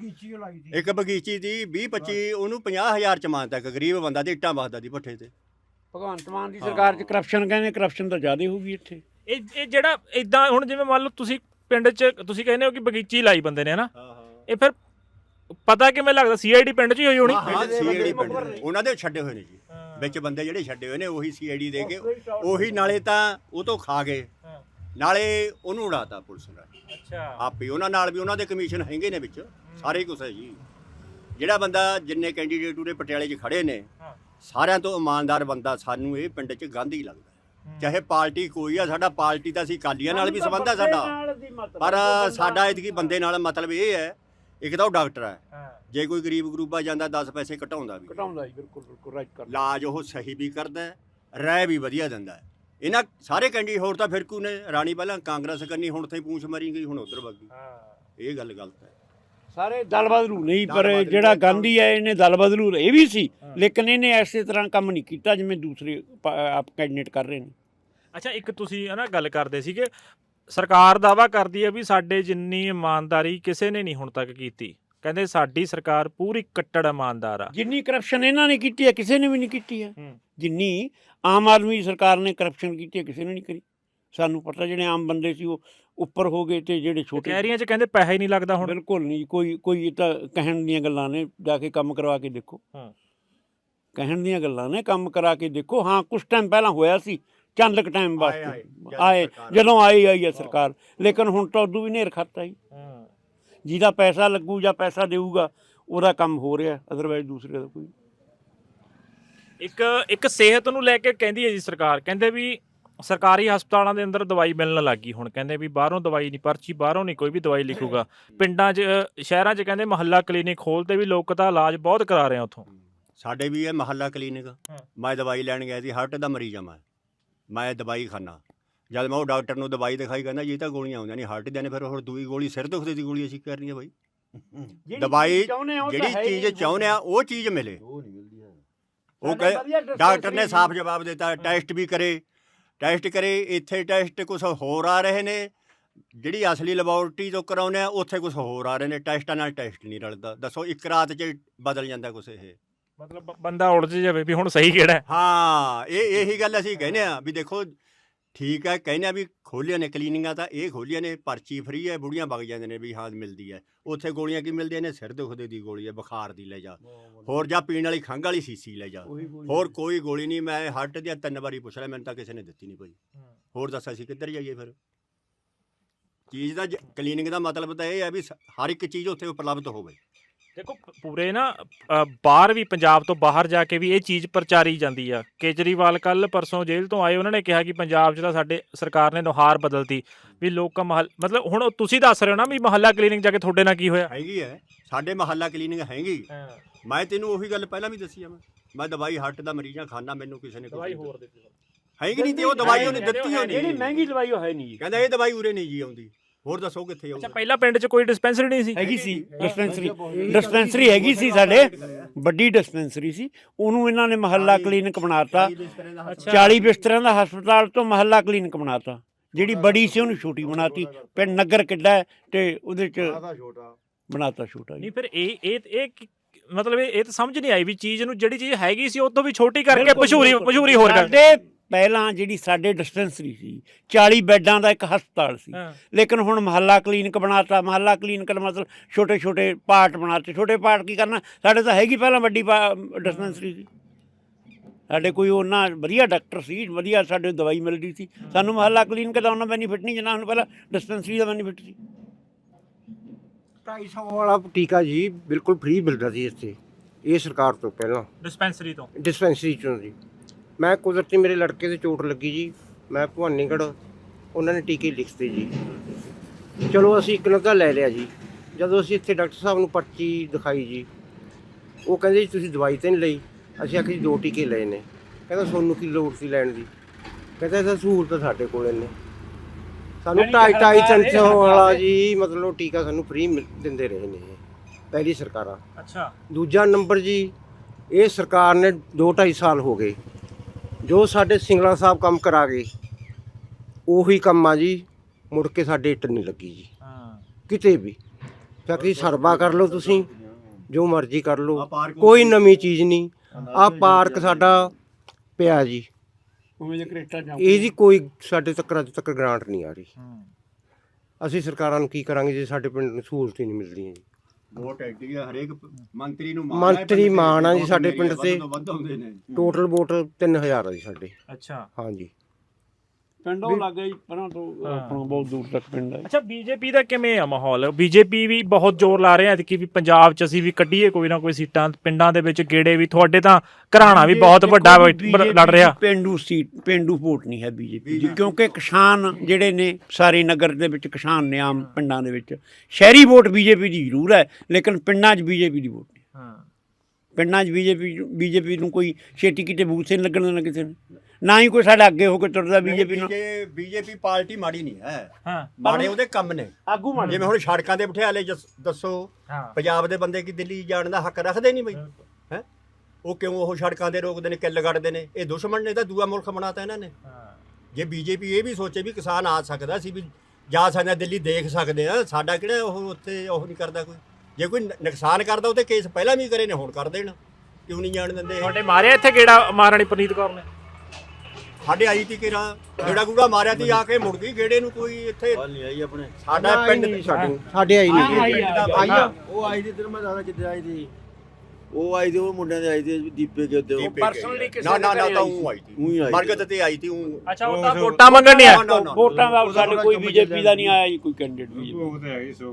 Speaker 2: ਇੱਕ ਬਗੀਚੀ ਦੀ ਵੀਹ ਪੱਚੀ, ਉਹਨੂੰ ਪੰਜਾਹ ਹਜ਼ਾਰ ਚ ਮਾਨਤਾ। ਇੱਕ ਗਰੀਬ ਬੰਦਾ ਤੇ ਇੱਟਾਂ ਵਸਦਾ ਦੀ ਭੱਠੇ ਤੇ।
Speaker 1: ਭਗਵੰਤ ਮਾਨ ਦੀ ਸਰਕਾਰ 'ਚ ਕਰਪਸ਼ਨ ਕਹਿੰਦੇ, ਕਰਪਸ਼ਨ ਤਾਂ ਜ਼ਿਆਦਾ ਹੋਊਗੀ ਇੱਥੇ।
Speaker 3: ਇਹ ਇਹ ਜਿਹੜਾ ਇਦਾਂ ਹੁਣ ਜਿਵੇਂ ਮੰਨ ਲਓ ਤੁਸੀਂ ਪਿੰਡ 'ਚ ਤੁਸੀਂ ਕਹਿੰਦੇ ਹੋ ਕਿ ਬਗੀਚੀ ਲਾਈ ਬੰਦੇ ਨੇ ਹਨਾ, ਇਹ ਫਿਰ ਪਤਾ ਕਿਵੇਂ ਲੱਗਦਾ? ਸੀ ਆਈ ਡੀ ਪਿੰਡ 'ਚ ਹੀ ਹੋਈ ਹੋਣੀ।
Speaker 2: ਹਾਂ ਸੀ ਆਈ ਡੀ ਪਿੰਡ ਉਹਨਾਂ ਦੇ ਛੱਡੇ ਹੋਏ ਨੇ ਜੀ, ਵਿੱਚ ਬੰਦੇ ਜਿਹੜੇ ਛੱਡੇ ਹੋਏ ਨੇ ਉਹੀ ਸੀ ਆਈ ਡੀ ਦੇ ਕੇ, ਉਹੀ ਨਾਲੇ ਤਾਂ ਉਹ ਤੋਂ ਖਾ ਗਏ, ਨਾਲੇ ਉਹਨੂੰ ਉਡਾਤਾ ਪੁਲਿਸ ਨੇ।
Speaker 3: ਅੱਛਾ।
Speaker 2: ਆਪੇ ਉਹਨਾਂ ਨਾਲ ਵੀ ਉਹਨਾਂ ਦੇ ਕਮਿਸ਼ਨ ਹੈਗੇ ਨੇ ਵਿੱਚ, ਸਾਰੇ ਕੁਛ ਹੈ ਜੀ। ਜਿਹੜਾ ਬੰਦਾ ਜਿੰਨੇ ਕੈਂਡੀਡੇਟ ਉਰੇ ਪਟਿਆਲੇ 'ਚ ਖੜੇ ਨੇ ਸਾਰਿਆਂ ਤੋਂ ਇਮਾਨਦਾਰ ਬੰਦਾ ਸਾਨੂੰ ਇਹ ਪਿੰਡ 'ਚ ਗਾਂਧੀ ਲੱਗਦਾ। ਚਾਹੇ ਪਾਰਟੀ ਕੋਈ ਆ, ਸਾਡਾ ਪਾਰਟੀ ਤਾਂ ਅਸੀਂ ਅਕਾਲੀਆਂ ਨਾਲ ਵੀ ਸੰਬੰਧ ਆ ਸਾਡਾ, ਪਰ ਸਾਡਾ ਇਤਕੀ ਬੰਦੇ ਨਾਲ ਮਤਲਬ ਇਹ ਹੈ, ਇੱਕ ਤਾਂ ਉਹ ਡਾਕਟਰ ਹੈ, ਜੇ ਕੋਈ ਗਰੀਬ ਗਰੂਬਾ ਜਾਂਦਾ ਦਸ ਪੈਸੇ ਘਟਾਉਂਦਾ ਵੀ,
Speaker 1: ਘਟਾਉਂਦਾ ਜੀ, ਬਿਲਕੁਲ ਬਿਲਕੁਲ ਰਾਈਟ ਕਰ।
Speaker 2: ਇਲਾਜ ਉਹ ਸਹੀ ਵੀ ਕਰਦਾ, ਰਾਏ ਵੀ ਵਧੀਆ ਦਿੰਦਾ। ਇਹਨਾਂ ਸਾਰੇ ਕੈਂਡੀਡੇਟ ਹੋਰ ਤਾਂ ਫਿਰਕੂ ਨੇ। ਰਾਣੀ ਪਹਿਲਾਂ ਕਾਂਗਰਸ ਕਰਨੀ, ਹੁਣ ਤੇ ਪੂੰਛ ਮਾਰੀ ਗਈ, ਹੁਣ ਉਧਰ ਵਗ ਗਈ। ਇਹ ਗੱਲ ਗਲਤ ਹੈ।
Speaker 1: ਸਾਰੇ ਦਲ ਬਦਲੂ ਨਹੀਂ, ਪਰ ਜਿਹੜਾ ਗਾਂਧੀ ਹੈ ਇਹਨੇ ਦਲ ਬਦਲੂ ਇਹ ਵੀ ਸੀ, ਲੇਕਿਨ ਇਹਨੇ ਐਸੇ ਤਰ੍ਹਾਂ ਕੰਮ ਨਹੀਂ ਕੀਤਾ ਜਿਵੇਂ ਦੂਸਰੇ ਆਪ ਕੈਂਡੀਡੇਟ ਕਰ ਰਹੇ ਨੇ।
Speaker 3: ਅੱਛਾ, ਇੱਕ ਤੁਸੀਂ ਹੈ ਨਾ ਗੱਲ ਕਰਦੇ ਸੀਗੇ, ਸਰਕਾਰ ਦਾਅਵਾ ਕਰਦੀ ਹੈ ਵੀ ਸਾਡੇ ਜਿੰਨੀ ਇਮਾਨਦਾਰੀ ਕਿਸੇ ਨੇ ਨਹੀਂ ਹੁਣ ਤੱਕ ਕੀਤੀ। ਕਹਿੰਦੇ ਸਾਡੀ ਸਰਕਾਰ ਪੂਰੀ ਕੱਟੜ ਇਮਾਨਦਾਰ ਆ।
Speaker 1: ਜਿੰਨੀ ਕਰਪਸ਼ਨ ਇਹਨਾਂ ਨੇ ਕੀਤੀ ਹੈ ਕਿਸੇ ਨੇ ਵੀ ਨਹੀਂ ਕੀਤੀ ਹੈ। ਜਿੰਨੀ ਆਮ ਆਦਮੀ ਸਰਕਾਰ ਨੇ ਕਰਪਸ਼ਨ ਕੀਤੀ ਹੈ ਕਿਸੇ ਨੇ ਨਹੀਂ ਕਰੀ। ਸਾਨੂੰ ਪਤਾ ਜਿਹੜੇ ਆਮ ਬੰਦੇ ਸੀ ਉਹ ਉੱਪਰ ਹੋ ਗਏ, ਤੇ ਜਿਹੜੇ ਛੋਟੇ
Speaker 3: ਕਹਿਰੀਆਂ 'ਚ ਕਹਿੰਦੇ ਪੈਸਾ ਹੀ ਨਹੀਂ ਲੱਗਦਾ ਹੁਣ।
Speaker 1: ਬਿਲਕੁਲ ਨਹੀਂ, ਕੋਈ ਕੋਈ ਤਾਂ ਕਹਿਣ ਦੀਆਂ ਗੱਲਾਂ ਨੇ, ਜਾ ਕੇ ਕੰਮ ਕਰਵਾ ਕੇ ਦੇਖੋ। ਕਹਿਣ ਦੀਆਂ ਗੱਲਾਂ ਨੇ, ਕੰਮ ਕਰਾ ਕੇ ਦੇਖੋ। ਹਾਂ ਕੁਛ ਟਾਈਮ ਪਹਿਲਾਂ ਹੋਇਆ ਸੀ, ਚੰਦ ਕੁ ਟਾਈਮ ਵਾਸਤੇ ਆਏ, ਜਦੋਂ ਆਈ ਆਈ ਹੈ ਸਰਕਾਰ, ਲੇਕਿਨ ਹੁਣ ਤਾਂ ਉਦੋਂ ਵੀ ਨੇਰ ਖਾਤਾ ਜੀ। ਜਿਹਦਾ ਪੈਸਾ ਲੱਗੂ ਜਾਂ ਪੈਸਾ ਦੇਊਗਾ ਉਹਦਾ ਕੰਮ ਹੋ ਰਿਹਾ, ਅਦਰਵਾਈਜ਼ ਦੂਸਰੇ ਦਾ ਕੋਈ।
Speaker 3: ਇੱਕ ਇੱਕ ਸਿਹਤ ਨੂੰ ਲੈ ਕੇ ਕਹਿੰਦੀ ਹੈ ਜੀ ਸਰਕਾਰ, ਕਹਿੰਦੇ ਵੀ ਸਰਕਾਰੀ ਹਸਪਤਾਲਾਂ ਦੇ ਅੰਦਰ ਦਵਾਈ ਮਿਲਣ ਲੱਗ ਗਈ ਹੁਣ, ਕਹਿੰਦੇ ਵੀ ਬਾਹਰੋਂ ਦਵਾਈ ਨਹੀਂ, ਪਰਚੀ ਬਾਹਰੋਂ ਨਹੀਂ ਕੋਈ ਵੀ ਦਵਾਈ ਲਿਖੂਗਾ। ਪਿੰਡਾਂ 'ਚ ਸ਼ਹਿਰਾਂ 'ਚ ਕਹਿੰਦੇ ਮੁਹੱਲਾ ਕਲੀਨਿਕ ਖੋਲ੍ਹਤੇ ਵੀ ਲੋਕ ਤਾਂ ਇਲਾਜ ਬਹੁਤ ਕਰਾ ਰਹੇ ਆ ਉੱਥੋਂ।
Speaker 2: ਸਾਡੇ ਵੀ ਇਹ ਮਹੱਲਾ ਕਲੀਨਿਕ, ਮੈਂ ਦਵਾਈ ਲੈਣ ਗਿਆ ਸੀ, ਹਾਰਟ ਦਾ ਮਰੀਜ਼ ਆ ਮੈਂ ਮੈਂ ਦਵਾਈ ਖਾਨਾ, ਜਦ ਮੈਂ ਉਹ ਡਾਕਟਰ ਨੂੰ ਦਵਾਈ ਦਿਖਾਈ, ਕਹਿੰਦਾ ਜੀ ਤਾਂ ਗੋਲੀਆਂ ਆਉਂਦੀਆਂ ਨਹੀਂ ਹਾਰਟ ਦੀਆਂ ਨੇ, ਫਿਰ ਹੋਰ ਦੂਈ ਗੋਲੀ ਸਿਰ ਦੁਖਦੇ ਦੀ ਗੋਲੀ ਅਸੀਂ ਕਰਨੀ ਹੈ ਬਾਈ। ਦਵਾਈ ਜਿਹੜੀ ਚੀਜ਼ ਚਾਹੁੰਦੇ ਆ ਉਹ ਚੀਜ਼ ਮਿਲੇ।
Speaker 4: ਉਹ ਨਹੀਂ ਮਿਲਦੀ ਹੈ।
Speaker 2: ਉਹ ਕਹੇ ਡਾਕਟਰ ਨੇ ਸਾਫ਼ ਜਵਾਬ ਦਿੱਤਾ, ਟੈਸਟ ਵੀ ਕਰੇ ਟੈਸਟ ਕਰੇ ਇੱਥੇ ਟੈਸਟ ਕੁਛ ਹੋਰ ਆ ਰਹੇ ਨੇ, ਜਿਹੜੀ ਅਸਲੀ ਲੈਬੋਰਟਰੀ ਤੋਂ ਕਰਾਉਂਦੇ ਆ ਉੱਥੇ ਕੁਛ ਹੋਰ ਆ ਰਹੇ ਨੇ, ਟੈਸਟਾਂ ਨਾਲ ਟੈਸਟ ਨਹੀਂ ਰਲਦਾ। ਦੱਸੋ ਇੱਕ ਰਾਤ 'ਚ ਬਦਲ ਜਾਂਦਾ ਕੁਛ ਇਹ,
Speaker 3: ਮਤਲਬ ਬੰਦਾ ਉਲਝ ਜਾਵੇ ਵੀ ਹੁਣ ਸਹੀ ਕਿਹੜਾ ਹੈ।
Speaker 2: ਹਾਂ ਇਹ ਇਹੀ ਗੱਲ ਅਸੀਂ ਕਹਿੰਦੇ ਆ ਵੀ ਦੇਖੋ ਠੀਕ ਹੈ, ਕਹਿੰਦੇ ਆ ਵੀ ਖੋਲ੍ਹੀਆਂ ਨੇ ਕਲੀਨਿਕਾਂ ਤਾਂ ਇਹ ਖੋਲ੍ਹੀਆਂ ਨੇ, ਪਰਚੀ ਫਰੀ ਹੈ, ਬੁੜੀਆਂ ਵਗ ਜਾਂਦੇ ਨੇ ਵੀ ਹਾਂ ਮਿਲਦੀ ਹੈ। ਉੱਥੇ ਗੋਲੀਆਂ ਕੀ ਮਿਲਦੀਆਂ ਨੇ, ਸਿਰ ਦੁਖਦੇ ਦੀ ਗੋਲੀ ਹੈ, ਬੁਖਾਰ ਦੀ ਲੈ ਜਾ, ਹੋਰ ਜਾਂ ਪੀਣ ਵਾਲੀ ਖੰਘ ਵਾਲੀ ਸੀਸੀ ਲੈ ਜਾ, ਹੋਰ ਕੋਈ ਗੋਲੀ ਨਹੀਂ। ਮੈਂ ਹਾਰਟ ਦੀਆਂ ਤਿੰਨ ਵਾਰੀ ਪੁੱਛ ਲਿਆ, ਮੈਨੂੰ ਤਾਂ ਕਿਸੇ ਨੇ ਦਿੱਤੀ ਨਹੀਂ ਪਈ। ਹੋਰ ਦੱਸ ਅਸੀਂ ਕਿੱਧਰ ਜਾਈਏ ਫਿਰ? ਚੀਜ਼ ਦਾ ਕਲੀਨਿਕ ਦਾ ਮਤਲਬ ਤਾਂ ਇਹ ਹੈ ਵੀ ਹਰ ਇੱਕ ਚੀਜ਼ ਉੱਥੇ ਉਪਲਬਧ ਹੋਵੇ।
Speaker 3: ਦੇਖੋ ਪੂਰੇ ਨਾ ਅ, ਬਾਹਰ ਵੀ, ਪੰਜਾਬ ਤੋਂ ਬਾਹਰ ਜਾ ਕੇ ਵੀ ਇਹ ਚੀਜ਼ ਪ੍ਰਚਾਰੀ ਜਾਂਦੀ ਆ। ਕੇਜਰੀਵਾਲ ਕੱਲ ਪਰਸੋਂ ਜੇਲ੍ਹ ਤੋਂ ਆਏ, ਉਹਨਾਂ ਨੇ ਕਿਹਾ ਕਿ ਪੰਜਾਬ 'ਚ ਤਾਂ ਸਾਡੇ ਸਰਕਾਰ ਨੇ ਨੁਹਾਰ ਬਦਲਤੀ ਵੀ ਲੋਕਾਂ ਮਹੱਲ, ਮਤਲਬ ਹੁਣ ਤੁਸੀਂ ਦੱਸ ਰਹੇ ਹੋ ਨਾ ਵੀ ਮੁਹੱਲਾ ਕਲੀਨਿਕ ਜਾ ਕੇ ਤੁਹਾਡੇ ਨਾਲ ਕੀ ਹੋਇਆ।
Speaker 2: ਹੈਗੀ ਹੈ ਸਾਡੇ ਮੁਹੱਲਾ ਕਲੀਨਿਕ ਹੈਗੀ। ਮੈਂ ਤੈਨੂੰ ਉਹੀ ਗੱਲ ਪਹਿਲਾਂ ਵੀ ਦੱਸੀ ਆ, ਮੈਂ ਮੈਂ ਦਵਾਈ ਹਾਰਟ ਦਾ ਮਰੀਜ਼ਾਂ ਖਾਨਾ, ਮੈਨੂੰ ਕਿਸੇ ਨੇ
Speaker 3: ਦਵਾਈ ਹੋਰ ਦਿੱਤੀ
Speaker 2: ਹੈਗੀ ਨਹੀਂ, ਤੇ ਉਹ ਦਵਾਈ ਉਹਨੇ ਦਿੱਤੀ ਹੋਣੀ,
Speaker 1: ਜਿਹੜੀ ਮਹਿੰਗੀ ਦਵਾਈ ਉਹ ਹੈ ਨਹੀਂ ਜੀ।
Speaker 2: ਕਹਿੰਦਾ ਇਹ ਦਵਾਈ ਉਰੇ ਨਹੀਂ ਜੀ ਆਉਂਦੀ, ਹੋਰ ਦੱਸੋ ਕਿੱਥੇ
Speaker 3: ਅੱਛਾ,
Speaker 2: ਆਉਂਦੀ?
Speaker 3: ਪਹਿਲਾਂ ਪਿੰਡ 'ਚ ਕੋਈ ਡਿਸਪੈਂਸਰੀ ਨਹੀਂ ਸੀ?
Speaker 1: ਹੈਗੀ ਸੀ ਡਿਸਪੈਂਸਰੀ, ਡਿਸਪੈਂਸਰੀ ਹੈਗੀ ਸੀ ਸਾਡੇ, ਵੱਡੀ ਡਿਸਪੈਂਸਰੀ ਸੀ, ਉਹਨੂੰ ਇਹਨਾਂ ਨੇ ਮੁਹੱਲਾ ਕਲੀਨਿਕ ਬਣਾਤਾ। ਚਾਲੀ ਬਿਸਤਰਿਆਂ ਦਾ ਹਸਪਤਾਲ ਤੋਂ ਮੁਹੱਲਾ ਕਲੀਨਿਕ ਬਣਾਤਾ। ਜਿਹੜੀ ਬੜੀ ਸੀ ਉਹਨੂੰ ਛੋਟੀ ਬਣਾਤੀ। ਪਿੰਡ ਨਗਰ ਕਿੱਡਾ ਹੈ ਤੇ ਉਹਦੇ 'ਚ ਬਣਾਤਾ ਛੋਟਾ ਜੀ।
Speaker 3: ਨਹੀਂ ਫਿਰ ਇਹ ਇਹ ਇਹ ਕੀ- ਮਤਲਬ ਇਹ ਇਹ ਤਾਂ ਸਮਝ ਨਹੀਂ ਆਈ ਵੀ ਚੀਜ਼ ਨੂੰ, ਜਿਹੜੀ ਚੀਜ਼ ਹੈਗੀ ਸੀ ਉਹ ਤੋਂ ਵੀ ਛੋਟੀ ਕਰਕੇ ਮਸ਼ਹੂਰੀ ਮਸ਼ਹੂਰੀ ਹੋਰ ਕਰ।
Speaker 1: ਸਾਡੇ ਪਹਿਲਾਂ ਜਿਹੜੀ ਸਾਡੇ ਡਿਸਪੈਂਸਰੀ ਸੀ ਚਾਲੀ ਬੈੱਡਾਂ ਦਾ ਇੱਕ ਹਸਪਤਾਲ ਸੀ, ਲੇਕਿਨ ਹੁਣ ਮੁਹੱਲਾ ਕਲੀਨਿਕ ਬਣਾਤਾ। ਮੁਹੱਲਾ ਕਲੀਨਿਕ ਦਾ ਮਤਲਬ ਛੋਟੇ ਛੋਟੇ ਪਾਰਟ ਬਣਾਤੇ। ਛੋਟੇ ਪਾਰਟ ਕੀ ਕਰਨਾ, ਸਾਡੇ ਤਾਂ ਹੈਗੀ ਪਹਿਲਾਂ ਵੱਡੀ ਡਿਸਪੈਂਸਰੀ ਸੀ। ਸਾਡੇ ਕੋਈ ਉਹਨਾਂ ਵਧੀਆ ਡਾਕਟਰ ਸੀ, ਵਧੀਆ ਸਾਡੇ ਦਵਾਈ ਮਿਲਦੀ ਸੀ। ਸਾਨੂੰ ਮੁਹੱਲਾ ਕਲੀਨਿਕ ਦਾ ਉਹਨਾਂ ਬੈਨੀਫਿਟ ਨਹੀਂ ਜਿੰਨਾ ਸਾਨੂੰ ਪਹਿਲਾਂ ਡਿਸਪੈਂਸਰੀ ਦਾ ਬੈਨੀਫਿਟ ਸੀ।
Speaker 5: ਢਾਈ ਸੌ ਵਾਲਾ ਟੀਕਾ ਜੀ ਬਿਲਕੁਲ ਫ੍ਰੀ ਮਿਲਦਾ ਸੀ ਇੱਥੇ, ਇਹ ਸਰਕਾਰ ਤੋਂ ਪਹਿਲਾਂ
Speaker 3: ਡਿਸਪੈਂਸਰੀ ਤੋਂ,
Speaker 5: ਡਿਸਪੈਂਸਰੀ ਚੋਂ ਜੀ। ਮੈਂ ਕੁਦਰਤੀ ਮੇਰੇ ਲੜਕੇ ਦੇ ਚੋਟ ਲੱਗੀ ਜੀ, ਮੈਂ ਭਵਾਨੀਗੜ੍ਹ, ਉਹਨਾਂ ਨੇ ਟੀਕੇ ਲਿਖਤੇ ਜੀ। ਚਲੋ ਅਸੀਂ ਇੱਕ ਨੱਗਾ ਲੈ ਲਿਆ ਜੀ। ਜਦੋਂ ਅਸੀਂ ਇੱਥੇ ਡਾਕਟਰ ਸਾਹਿਬ ਨੂੰ ਪਰਚੀ ਦਿਖਾਈ ਜੀ, ਉਹ ਕਹਿੰਦੇ ਜੀ ਤੁਸੀਂ ਦਵਾਈ ਤਾਂ ਨਹੀਂ ਲਈ। ਅਸੀਂ ਆਖਿਆ ਜੀ ਦੋ ਟੀਕੇ ਲਏ ਨੇ। ਕਹਿੰਦਾ ਤੁਹਾਨੂੰ ਕੀ ਲੋੜ ਸੀ ਲੈਣ ਦੀ? ਕਹਿੰਦਾ ਇਹਦਾ ਸਹੂਲਤ ਸਾਡੇ ਕੋਲ ਨੇ। ਸਾਨੂੰ ਢਾਈ ਢਾਈ ਤਿੰਨ ਸੌ ਵਾਲਾ ਜੀ ਮਤਲਬ ਟੀਕਾ ਸਾਨੂੰ ਫ੍ਰੀ ਦਿੰਦੇ ਰਹੇ ਨੇ ਪਹਿਲੀ ਸਰਕਾਰਾਂ।
Speaker 3: ਅੱਛਾ,
Speaker 5: ਦੂਜਾ ਨੰਬਰ ਜੀ, ਇਹ ਸਰਕਾਰ ਨੇ ਦੋ ਢਾਈ ਸਾਲ ਹੋ ਗਏ ਜੋ ਸਾਡੇ ਸਿੰਗਲਾ ਸਾਹਿਬ ਕੰਮ ਕਰਾ ਗਏ, ਉਹੀ ਕੰਮ ਆ ਜੀ। ਮੁੜ ਕੇ ਸਾਡੇ ਇੱਟ ਨਹੀਂ ਲੱਗੀ ਜੀ
Speaker 3: ਹਾਂ
Speaker 5: ਕਿਤੇ ਵੀ। ਫੈਕਟਰੀ ਸਰਵਾ ਕਰ ਲਓ ਤੁਸੀਂ, ਜੋ ਮਰਜ਼ੀ ਕਰ ਲਓ, ਕੋਈ ਨਵੀਂ ਚੀਜ਼ ਨਹੀਂ। ਆਹ ਪਾਰਕ ਸਾਡਾ ਪਿਆ ਜੀ, ਇਹਦੀ ਕੋਈ ਸਾਡੇ ਤੱਕ ਅੱਜ ਤੱਕ ਗ੍ਰਾਂਟ ਨਹੀਂ ਆ ਰਹੀ। ਅਸੀਂ ਸਰਕਾਰਾਂ ਨੂੰ ਕੀ ਕਰਾਂਗੇ ਜੇ ਸਾਡੇ ਪਿੰਡ ਨੂੰ ਸਹੂਲਤ ਹੀ ਨਹੀਂ ਮਿਲਦੀਆਂ ਜੀ।
Speaker 2: ਵੋਟ ਐਡੀ ਆ, ਹਰੇਕ ਮੰਤਰੀ ਨੂੰ
Speaker 5: ਮੰਤਰੀ ਮਾਣ ਆ ਜੀ ਸਾਡੇ ਪਿੰਡ ਤੇ।
Speaker 2: ਵੱਧ ਆਉਂਦੇ ਨੇ।
Speaker 5: ਟੋਟਲ ਵੋਟ ਤਿੰਨ ਹਜ਼ਾਰ ਆ ਜੀ ਸਾਡੇ।
Speaker 3: ਅੱਛਾ,
Speaker 5: ਹਾਂਜੀ
Speaker 1: ਪਿੰਡੋਂ ਲੱਗ ਗਈ ਪਰਾਂ ਤੋਂ ਆਪਣਾ ਬਹੁਤ ਦੂਰ ਤੱਕ ਪਿੰਡ ਹੈ।
Speaker 3: ਅੱਛਾ ਬੀਜੇਪੀ ਦਾ ਕਿਵੇਂ ਆ ਮਾਹੌਲ? ਬੀਜੇਪੀ ਵੀ ਬਹੁਤ ਜ਼ੋਰ ਲਾ ਰਹੇ ਆ ਕਿ ਵੀ ਪੰਜਾਬ 'ਚ ਅਸੀਂ ਵੀ ਕੱਢੀਏ ਕੋਈ ਨਾ ਕੋਈ ਸੀਟਾਂ, ਪਿੰਡਾਂ ਦੇ ਵਿੱਚ ਗੇੜੇ ਵੀ। ਤੁਹਾਡੇ ਤਾਂ ਘਰਾਣਾ ਵੀ ਬਹੁਤ ਵੱਡਾ ਲੜ ਰਿਹਾ।
Speaker 1: ਪਿੰਡੂ ਸੀਟ, ਪਿੰਡੂ ਵੋਟ ਨਹੀਂ ਹੈ ਬੀਜੇਪੀ ਦੀ, ਕਿਉਂਕਿ ਕਿਸਾਨ ਜਿਹੜੇ ਨੇ ਸਾਰੇ ਨਗਰ ਦੇ ਵਿੱਚ ਕਿਸਾਨ ਨੇ, ਆਮ ਪਿੰਡਾਂ ਦੇ ਵਿੱਚ ਸ਼ਹਿਰੀ ਵੋਟ ਬੀਜੇਪੀ ਦੀ ਜ਼ਰੂਰ ਹੈ, ਲੇਕਿਨ ਪਿੰਡਾਂ 'ਚ ਬੀਜੇਪੀ ਦੀ ਵੋਟ ਨਹੀਂ।
Speaker 3: ਹਾਂ,
Speaker 1: ਪਿੰਡਾਂ 'ਚ ਬੀਜੇਪੀ ਬੀਜੇਪੀ ਨੂੰ ਕੋਈ ਛੇਤੀ ਕਿਤੇ ਬੂਥ ਨਹੀਂ ਲੱਗਣ ਦੇਣਾ ਕਿਸੇ ਨੇ, ਨਾ ਹੀ ਕੋਈ ਸਾਡਾ ਅੱਗੇ ਹੋ ਕੇ ਤੁਰਦਾ ਬੀਜੇਪੀ ਨੂੰ।
Speaker 2: ਬੀਜੇਪੀ ਪਾਰਟੀ ਮਾੜੀ ਨਹੀਂ ਹੈ,
Speaker 3: ਹਾਂ,
Speaker 2: ਮਾੜੇ ਉਹਦੇ ਕੰਮ ਨੇ।
Speaker 1: ਆਗੂ ਮਾੜੇ,
Speaker 2: ਜਿਵੇਂ ਹੁਣ ਸੜਕਾਂ ਤੇ ਬਿਠਾ ਲਏ, ਦੱਸੋ ਪੰਜਾਬ ਦੇ ਬੰਦੇ ਕੀ ਦਿੱਲੀ ਜਾਣ ਦਾ ਹੱਕ ਰੱਖਦੇ ਨਹੀਂ ਬਈ? ਹੈ ਉਹ ਕਿਉਂ ਉਹ ਸੜਕਾਂ ਤੇ ਰੋਕਦੇ ਨੇ, ਕਿੱਲ ਕੱਢਦੇ ਨੇ? ਇਹ ਦੁਸ਼ਮਣ ਨੇ ਤਾਂ ਦੂਆ ਮੁਲਕ ਬਣਾਤਾ ਇਹਨਾਂ ਨੇ। ਜੇ ਬੀਜੇਪੀ ਇਹ ਵੀ ਸੋਚੇ ਵੀ ਕਿਸਾਨ ਆ ਸਕਦਾ, ਅਸੀਂ ਵੀ ਜਾ ਸਕਦੇ ਹਾਂ ਦਿੱਲੀ, ਦੇਖ ਸਕਦੇ ਹਾਂ, ਸਾਡਾ ਕਿਹੜਾ ਉਹ ਉੱਥੇ ਉਹ ਨਹੀਂ ਕਰਦਾ ਕੋਈ। ਜੇ ਕੋਈ ਨੁਕਸਾਨ ਕਰਦਾ ਉਹ ਤੇ ਕੇਸ ਪਹਿਲਾਂ ਵੀ ਕਰੇ ਨੇ, ਹੁਣ ਕਰ ਦੇਣ, ਕਿਉਂ ਨਹੀਂ ਜਾਣ ਦਿੰਦੇ?
Speaker 3: ਤੁਹਾਡੇ ਮਾਰਿਆ ਇੱਥੇ ਗੇੜਾ ਮਹਾਰਾਣੀ ਪ੍ਰਨੀਤ ਕੌਰ ਨੇ?
Speaker 2: ਸਾਡੇ ਆਈ ਤੀ ਕਿਰਾ ਗੇੜਾ ਗੂੜਾ ਮਾਰਿਆ ਤੀ, ਆ ਕੇ ਮੁੜ ਗਈ ਗੇੜੇ ਨੂੰ। ਕੋਈ ਇੱਥੇ
Speaker 4: ਨਹੀਂ ਆਈ ਆਪਣੇ
Speaker 2: ਸਾਡਾ ਪਿੰਡ
Speaker 5: ਸਾਡੇ ਸਾਡੇ ਆਈ ਨਹੀਂ
Speaker 2: ਆਈ ਆ।
Speaker 4: ਉਹ ਆਈ ਦੀ ਤੈਨੂੰ ਮੈਂ ਦੱਸਦਾ ਕਿੱਥੇ ਆਈ ਦੀ। ਉਹ ਆਈ ਦੀ ਉਹ ਮੁੰਡਿਆਂ ਦੇ ਆਈ ਦੀ ਦੀਪੇ ਕੇ ਉੱਤੇ।
Speaker 1: ਪਰਸਨਲੀ ਕਿਸੇ
Speaker 2: ਨਾ ਨਾ ਨਾ ਤਾਂ ਉਹ ਆਈ ਤੀ,
Speaker 4: ਉਹੀ ਆਈ
Speaker 2: ਮਰਗਤ ਤੇ ਆਈ ਤੀ ਉਹ।
Speaker 3: ਅੱਛਾ, ਉਹ ਤਾਂ ਵੋਟਾਂ ਮੰਗਣ ਨਹੀਂ ਆਇਆ।
Speaker 1: ਵੋਟਾਂ ਦਾ ਸਾਡੇ ਕੋਈ ਬੀਜੇਪੀ ਦਾ ਨਹੀਂ ਆਇਆ ਜੀ, ਕੋਈ ਕੈਂਡੀਡੇਟ ਬੀਜੇਪੀ।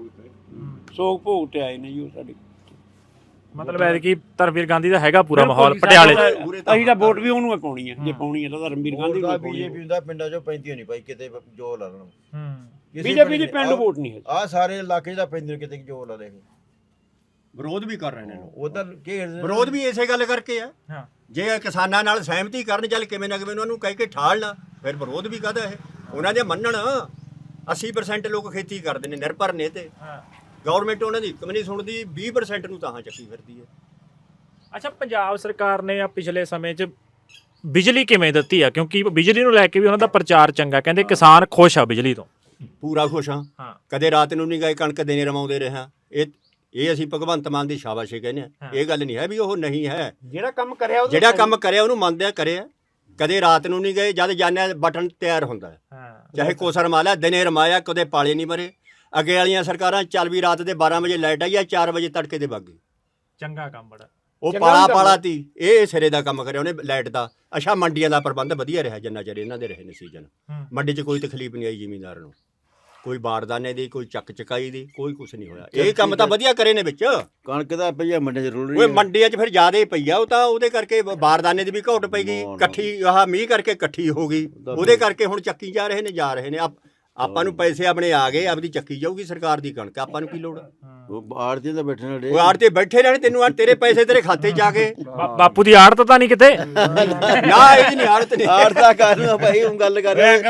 Speaker 1: ਸੋਗ ਭੋਗ ਤੇ ਆਏ ਨੇ ਜੀ ਉਹ ਸਾਡੇ।
Speaker 3: ਮਤਲਬ ਐ ਕਿ ਧਰਮਵੀਰ ਗਾਂਧੀ ਦਾ ਹੈਗਾ ਪੂਰਾ
Speaker 1: ਬਿਲਕੁਲ
Speaker 3: ਮਾਹੌਲ
Speaker 1: ਜੀ,
Speaker 3: ਪਟਿਆਲੇ 'ਚ।
Speaker 1: ਸਾਡਾ ਤਾਂ- ਅਸੀਂ ਤਾਂ ਵੋਟ ਵੀ ਉਹਨੂੰ ਹੀ ਪਾਉਣੀ ਹੈ, ਜੇ ਪਾਉਣੀ ਹੈ ਤਾਂ ਧਰਮਵੀਰ ਗਾਂਧੀ ਨੂੰ ਹੀ ਪਾਉਣੀ
Speaker 4: ਬੀਜੇਪੀ ਹੁੰਦਾ ਪਿੰਡਾਂ ਚੋਂ ਪੈਂਦੀ ਨਹੀਂ ਭਾਈ ਕਿਤੇ ਜੋ ਲਾ ਲੈਣ।
Speaker 3: ਹੂੰ
Speaker 1: ਬੀਜੇਪੀ ਦੀ ਪਿੰਡ ਵੋਟ ਨਹੀਂ ਹੈ।
Speaker 4: ਆ ਸਾਰੇ ਇਲਾਕੇ 'ਚ ਤਾਂ ਪੈਂਦੀ ਕਿਤੇ ਜੋ ਲਾ ਲੈ।
Speaker 2: ਵਿਰੋਧ ਵੀ ਕਰ ਰਹੇ ਨੇ ਲੋਕ।
Speaker 4: ਉਧਰ ਘੇਰਦੇ
Speaker 2: ਵਿਰੋਧ ਵੀ ਇਸੇ ਗੱਲ ਕਰਕੇ ਆ।
Speaker 3: ਹਾਂ
Speaker 2: ਜੇ ਕਿਸਾਨਾਂ ਨਾਲ ਸਹਿਮਤੀ ਕਰਨ ਚੱਲ ਕਿਵੇਂ ਨਾ ਕਿਵੇਂ ਉਹਨਾਂ ਨੂੰ ਕਹਿ ਕੇ ਠਾਲਣਾ, ਫਿਰ ਵਿਰੋਧ ਵੀ ਕਾਹਦਾ ਇਹ। ਉਹਨਾਂ ਦੇ ਮੰਨਣ ਅੱਸੀ ਪਰਸੈਂਟ ਲੋਕ ਖੇਤੀ ਕਰਦੇ ਨੇ, ਨਿਰਭਰ ਨੇ ਤੇ
Speaker 3: ਹਾਂ।
Speaker 2: ਗਵਰਨਮੈਂਟ ਉਹਨਾਂ ਦੀ ਇੱਕ ਵੀ ਨਹੀਂ ਸੁਣਦੀ, ਵੀਹ ਪਰਸੈਂਟ ਨੂੰ ਤਾਂ ਚੱਕੀ ਫਿਰਦੀ ਹੈ।
Speaker 3: ਅੱਛਾ, ਪੰਜਾਬ ਸਰਕਾਰ ਨੇ ਆ ਪਿਛਲੇ ਸਮੇਂ 'ਚ ਬਿਜਲੀ ਕਿਵੇਂ ਦਿੱਤੀ ਆ? ਕਿਉਂਕਿ ਬਿਜਲੀ ਨੂੰ ਲੈ ਕੇ ਵੀ ਉਹਨਾਂ ਦਾ ਪ੍ਰਚਾਰ ਚੰਗਾ, ਕਹਿੰਦੇ ਕਿਸਾਨ ਖੁਸ਼ ਆ ਬਿਜਲੀ ਤੋਂ।
Speaker 2: ਪੂਰਾ ਖੁਸ਼ ਹਾਂ।
Speaker 3: ਹਾਂ
Speaker 2: ਕਦੇ ਰਾਤ ਨੂੰ ਨਹੀਂ ਗਏ ਕਣਕ ਦੇਣੇ ਰਵਾਉਂਦੇ ਰਹੇ ਹਾਂ। ਇਹ ਇਹ ਅਸੀਂ ਭਗਵੰਤ ਮਾਨ ਦੀ ਸ਼ਾਬਾਸ਼ੀ ਕਹਿੰਦੇ ਆ। ਇਹ ਗੱਲ ਨਹੀਂ ਹੈ ਵੀ ਉਹ ਨਹੀਂ ਹੈ।
Speaker 1: ਜਿਹੜਾ ਕੰਮ ਕਰਿਆ ਉਹਦਾ
Speaker 2: ਜਿਹੜਾ ਕੰਮ ਕਰਿਆ ਉਹਨੂੰ ਮੰਨਦੇ ਆ, ਕਰਿਆ। ਕਦੇ ਰਾਤ ਨੂੰ ਨਹੀਂ ਗਏ, ਜਦ ਜਾਣਿਆ ਬਟਨ ਤਿਆਰ ਹੁੰਦਾ ਹੈ।
Speaker 3: ਹਾਂ
Speaker 2: ਚਾਹੇ ਕੋਸਰ ਮਾਲਿਆ ਦਿਨੇ ਰਮਾਇਆ, ਕਦੇ ਪਾਲੇ ਨਹੀਂ ਮਰੇ। ਅੱਗੇ ਵਾਲੀਆਂ ਸਰਕਾਰਾਂ ਚੱਲ ਵੀ ਰਾਤ ਦੇ ਬਾਰਾਂ ਵਜੇ ਲਾਈਟ ਆਈ ਆ, ਚਾਰ ਵਜੇ ਤੜਕੇ ਦੇ ਬਾਗੀ।
Speaker 3: ਚੰਗਾ ਕੰਮ ਬੜਾ।
Speaker 2: ਉਹ
Speaker 1: ਚੰਗਾ
Speaker 2: ਪਾਲਾ
Speaker 1: ਕੰਮ
Speaker 2: ਪਾਲਾ ਤੀ, ਇਹ ਸਿਰੇ ਦਾ ਕੰਮ ਕਰਿਆ ਉਹਨੇ ਲਾਈਟ ਦਾ। ਅੱਛਾ, ਮੰਡੀਆਂ ਦਾ ਪ੍ਰਬੰਧ ਵਧੀਆ ਰਿਹਾ ਜਿੰਨਾ ਚਿਰ ਇਹਨਾਂ ਦੇ ਰਹੇ ਨੇ ਸੀਜ਼ਨ।
Speaker 3: ਹੂੰ।
Speaker 2: ਮੰਡੀ 'ਚ ਕੋਈ ਤਕਲੀਫ ਨਹੀਂ ਆਈ ਜ਼ਿਮੀਂਦਾਰ ਨੂੰ, ਕੋਈ ਬਾਰਦਾਨੇ ਦੀ, ਕੋਈ ਚੱਕ ਚਕਾਈ ਦੀ, ਕੋਈ ਕੁਝ ਨਹੀਂ ਹੋਇਆ। ਇਹ ਕੰਮ ਤਾਂ ਵਧੀਆ ਕਰੇ ਨੇ ਵਿੱਚ।
Speaker 4: ਕਣਕ ਦਾ ਪਈਆ ਮੰਡੇ 'ਚ ਰੁਲ ਰਹੀ
Speaker 2: ਓਏ ਮੰਡੀਆਂ 'ਚ ਫਿਰ ਜ਼ਿਆਦਾ ਹੀ ਪਈ ਆ, ਉਹ ਤਾਂ ਉਹਦੇ ਕਰਕੇ ਬਾਰਦਾਨੇ ਦੀ ਵੀ ਘੋਟ ਪਈ ਗਈ, ਇਕੱਠੀ ਆਹ ਮੀਂਹ ਕਰਕੇ ਇਕੱਠੀ ਹੋ ਗਈ, ਉਹਦੇ ਕਰਕੇ ਹੁਣ ਚੱਕੀ ਜਾ ਰਹੇ ਨੇ ਜਾ ਰਹੇ ਨੇ। ਆਪ ਆਪਾਂ ਨੂੰ ਪੈਸੇ ਆਪਣੇ ਆ ਗਏ, ਆਪਦੀ ਚੱਕੀ ਜਾਊਗੀ ਸਰਕਾਰ ਦੀ ਕਣਕ, ਆਪਾਂ ਨੂੰ ਕੀ ਲੋੜ?
Speaker 4: ਉਹ ਆੜਤੀ ਤਾਂ ਬੈਠੇ ਨੇ
Speaker 2: ਉਹ ਆੜ ਤੇ ਬੈਠੇ ਰਹਿਣੇ, ਤੈਨੂੰ ਆ ਤੇਰੇ ਪੈਸੇ ਤੇਰੇ ਖਾਤੇ 'ਚ ਆ ਗਏ।
Speaker 3: ਬਾ- ਬਾਪੂ ਦੀ ਆੜਤ ਤਾਂ ਨਹੀਂ ਕਿਤੇ?
Speaker 2: ਨਾ ਇਹਦੀ ਨਹੀਂ ਆੜਤ ਨਹੀਂ।
Speaker 4: ਆੜਤਾ ਕਰਨਾ ਭਾਈ ਹੁਣ ਗੱਲ ਕਰ ਰਹੇ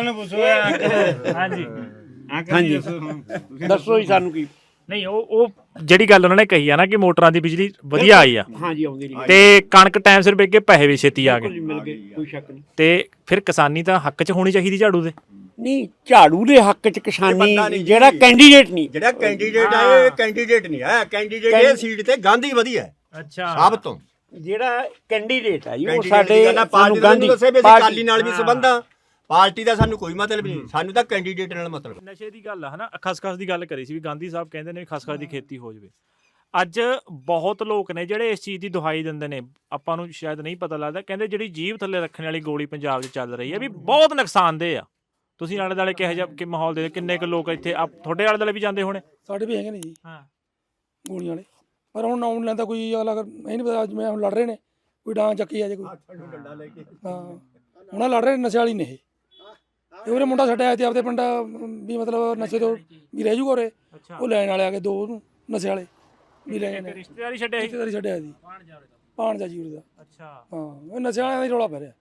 Speaker 3: ਹਾਂਜੀ
Speaker 1: ਹਾਂਜੀ ਦੱਸੋ ਜੀ ਸਾਨੂੰ ਕੀ।
Speaker 3: ਨਹੀਂ, ਉਹ ਉਹ ਜਿਹੜੀ ਗੱਲ ਉਹਨਾਂ ਨੇ ਕਹੀ ਆ ਨਾ ਕਿ ਮੋਟਰਾਂ ਦੀ ਬਿਜਲੀ ਵਧੀਆ ਆਈ ਆ
Speaker 1: ਹਾਂਜੀ ਆਉਂਦੀ ਨਹੀਂ
Speaker 3: ਤੇ ਕਣਕ ਟਾਈਮ ਸਿਰ ਵੇਚ ਕੇ ਪੈਸੇ ਵੀ ਛੇਤੀ ਆ ਗਏ,
Speaker 1: ਮਿਲ ਗਏ, ਕੋਈ ਸ਼ੱਕ ਨਹੀਂ।
Speaker 3: ਤੇ ਫਿਰ ਕਿਸਾਨੀ ਤਾਂ ਹੱਕ 'ਚ ਹੋਣੀ ਚਾਹੀਦੀ ਝਾੜੂ ਦੇ।
Speaker 1: ਨਹੀਂ, ਝਾੜੂ ਦੇ ਹੱਕ 'ਚ
Speaker 2: ਬੰਦਾ
Speaker 1: ਕਿਸਾਨੀ
Speaker 2: ਨਹੀਂ
Speaker 1: ਜਿਹੜਾ
Speaker 2: ਜੀ।
Speaker 1: ਕੈਂਡੀਡੇਟ ਨਹੀਂ।
Speaker 2: ਜਿਹੜਾ ਕੈਂਡੀਡੇਟ ਆ ਇਹ ਕੈਂਡੀਡੇਟ ਨਹੀਂ ਹੈ। ਕੈਂਡੀਡੇਟ ਇਹ ਸੀਟ ਤੇ ਗਾਂਧੀ ਵਧੀਆ ਹੈ
Speaker 3: ਅੱਛਾ
Speaker 2: ਸਭ ਤੋਂ।
Speaker 1: ਜਿਹੜਾ ਕੈਂਡੀਡੇਟ ਆ ਜੀ ਉਹ
Speaker 2: ਕੈਂਡੀਡੇਟ
Speaker 1: ਸਾਡੇ
Speaker 2: ਦੀ ਗੱਲ ਆ, ਪਾਰਟੀ
Speaker 1: ਸਾਨੂੰ
Speaker 2: ਦਾ
Speaker 1: ਗਾਂਧੀ
Speaker 2: ਦੱਸੇ ਵੀ ਅਸੀਂ
Speaker 1: ਪਾਰਟੀ-
Speaker 2: ਅਕਾਲੀ ਨਾਲ ਵੀ ਸੰਬੰਧ ਆ। ਪਾਰਟੀ ਦਾ ਸਾਨੂੰ ਕੋਈ ਮਤਲਬ ਨਹੀਂ, ਸਾਨੂੰ ਤਾਂ ਕੈਂਡੀਡੇਟ ਨਾਲ ਮਤਲਬ।
Speaker 3: ਨਸ਼ੇ ਦੀ ਗੱਲ ਆ ਹਨਾ, ਖਸਖਸ ਦੀ ਗੱਲ ਕਰੀ ਸੀ ਵੀ ਗਾਂਧੀ ਸਾਹਿਬ ਕਹਿੰਦੇ ਨੇ ਵੀ ਖਸਖਸ ਦੀ ਖੇਤੀ ਹੋ ਜਾਵੇ। ਅੱਜ ਬਹੁਤ ਲੋਕ ਨੇ ਜਿਹੜੇ ਇਸ ਚੀਜ਼ ਦੀ ਦੁਹਾਈ ਦਿੰਦੇ ਨੇ, ਆਪਾਂ ਨੂੰ ਸ਼ਾਇਦ ਨਹੀਂ ਪਤਾ ਲੱਗਦਾ। ਕਹਿੰਦੇ ਜਿਹੜੀ ਜੀਭ ਥੱਲੇ ਰੱਖਣ ਵਾਲੀ ਗੋਲੀ ਪੰਜਾਬ 'ਚ ਚੱਲ ਰਹੀ ਹੈ ਵੀ ਬਹੁਤ ਨੁਕਸਾਨਦੇਹ ਆ। ਤੁਸੀਂ ਆਲੇ ਦੁਆਲੇ ਕਿਹੋ ਜਿਹਾ ਕਿ ਮਾਹੌਲ ਦੇ ਕਿੰਨੇ ਕੁ ਲੋਕ ਇੱਥੇ ਆ ਤੁਹਾਡੇ ਆਲੇ ਦੁਆਲੇ ਵੀ ਜਾਂਦੇ ਹੋਣੇ?
Speaker 6: ਸਾਡੇ ਵੀ ਹੈਗੇ ਨੇ ਜੀ
Speaker 3: ਹਾਂ
Speaker 6: ਗੋਲੀਆਂ ਵਾਲੇ, ਪਰ ਹੁਣ ਨਾਉਣ ਲੈਂਦਾ ਕੋਈ ਅਗਲਾ। ਇਹ ਨਹੀਂ ਪਤਾ ਅੱਜ ਮੈਂ ਹੁਣ ਲੜ ਰਹੇ ਨੇ, ਕੋਈ ਡਾਂ ਚੱਕੀ ਆ ਜੇ ਕੋਈ। ਹਾਂ ਹੁਣ ਆਹ ਲੜ ਰਹੇ ਨੇ ਨਸ਼ੇ ਵਾਲੀ ਨੇ ਇਹ। ਇਹ ਉਹਨੇ ਮੁੰਡਾ ਛੱਡਿਆ ਤੇ ਆਪਦੇ ਪਿੰਡ ਵੀ ਮਤਲਬ ਨਸ਼ੇ ਤੋਂ ਵੀ ਰਹਿ ਜੂਗਾ ਉਰੇ।
Speaker 3: ਅੱਛਾ,
Speaker 6: ਉਹ ਲੈਣ ਵਾਲੇ ਆ ਗਏ ਦੋ ਉਹਨੂੰ ਨਸ਼ੇ ਵਾਲੇ ਵੀ ਲੈ ਗਏ ਨੇ।
Speaker 3: ਰਿਸ਼ਤੇਦਾਰੀ ਛੱਡਿਆ ਸੀ?
Speaker 6: ਰਿਸ਼ਤੇਦਾਰੀ ਛੱਡਿਆ ਜੀ ਪਾਣ ਜਾ ਜੀ ਉਰੇ ਦਾ।
Speaker 3: ਅੱਛਾ,
Speaker 6: ਹਾਂ ਇਹ ਨਸ਼ੇ ਵਾਲਿਆਂ ਦਾ ਹੀ ਰੌਲਾ ਪੈ ਰਿਹਾ।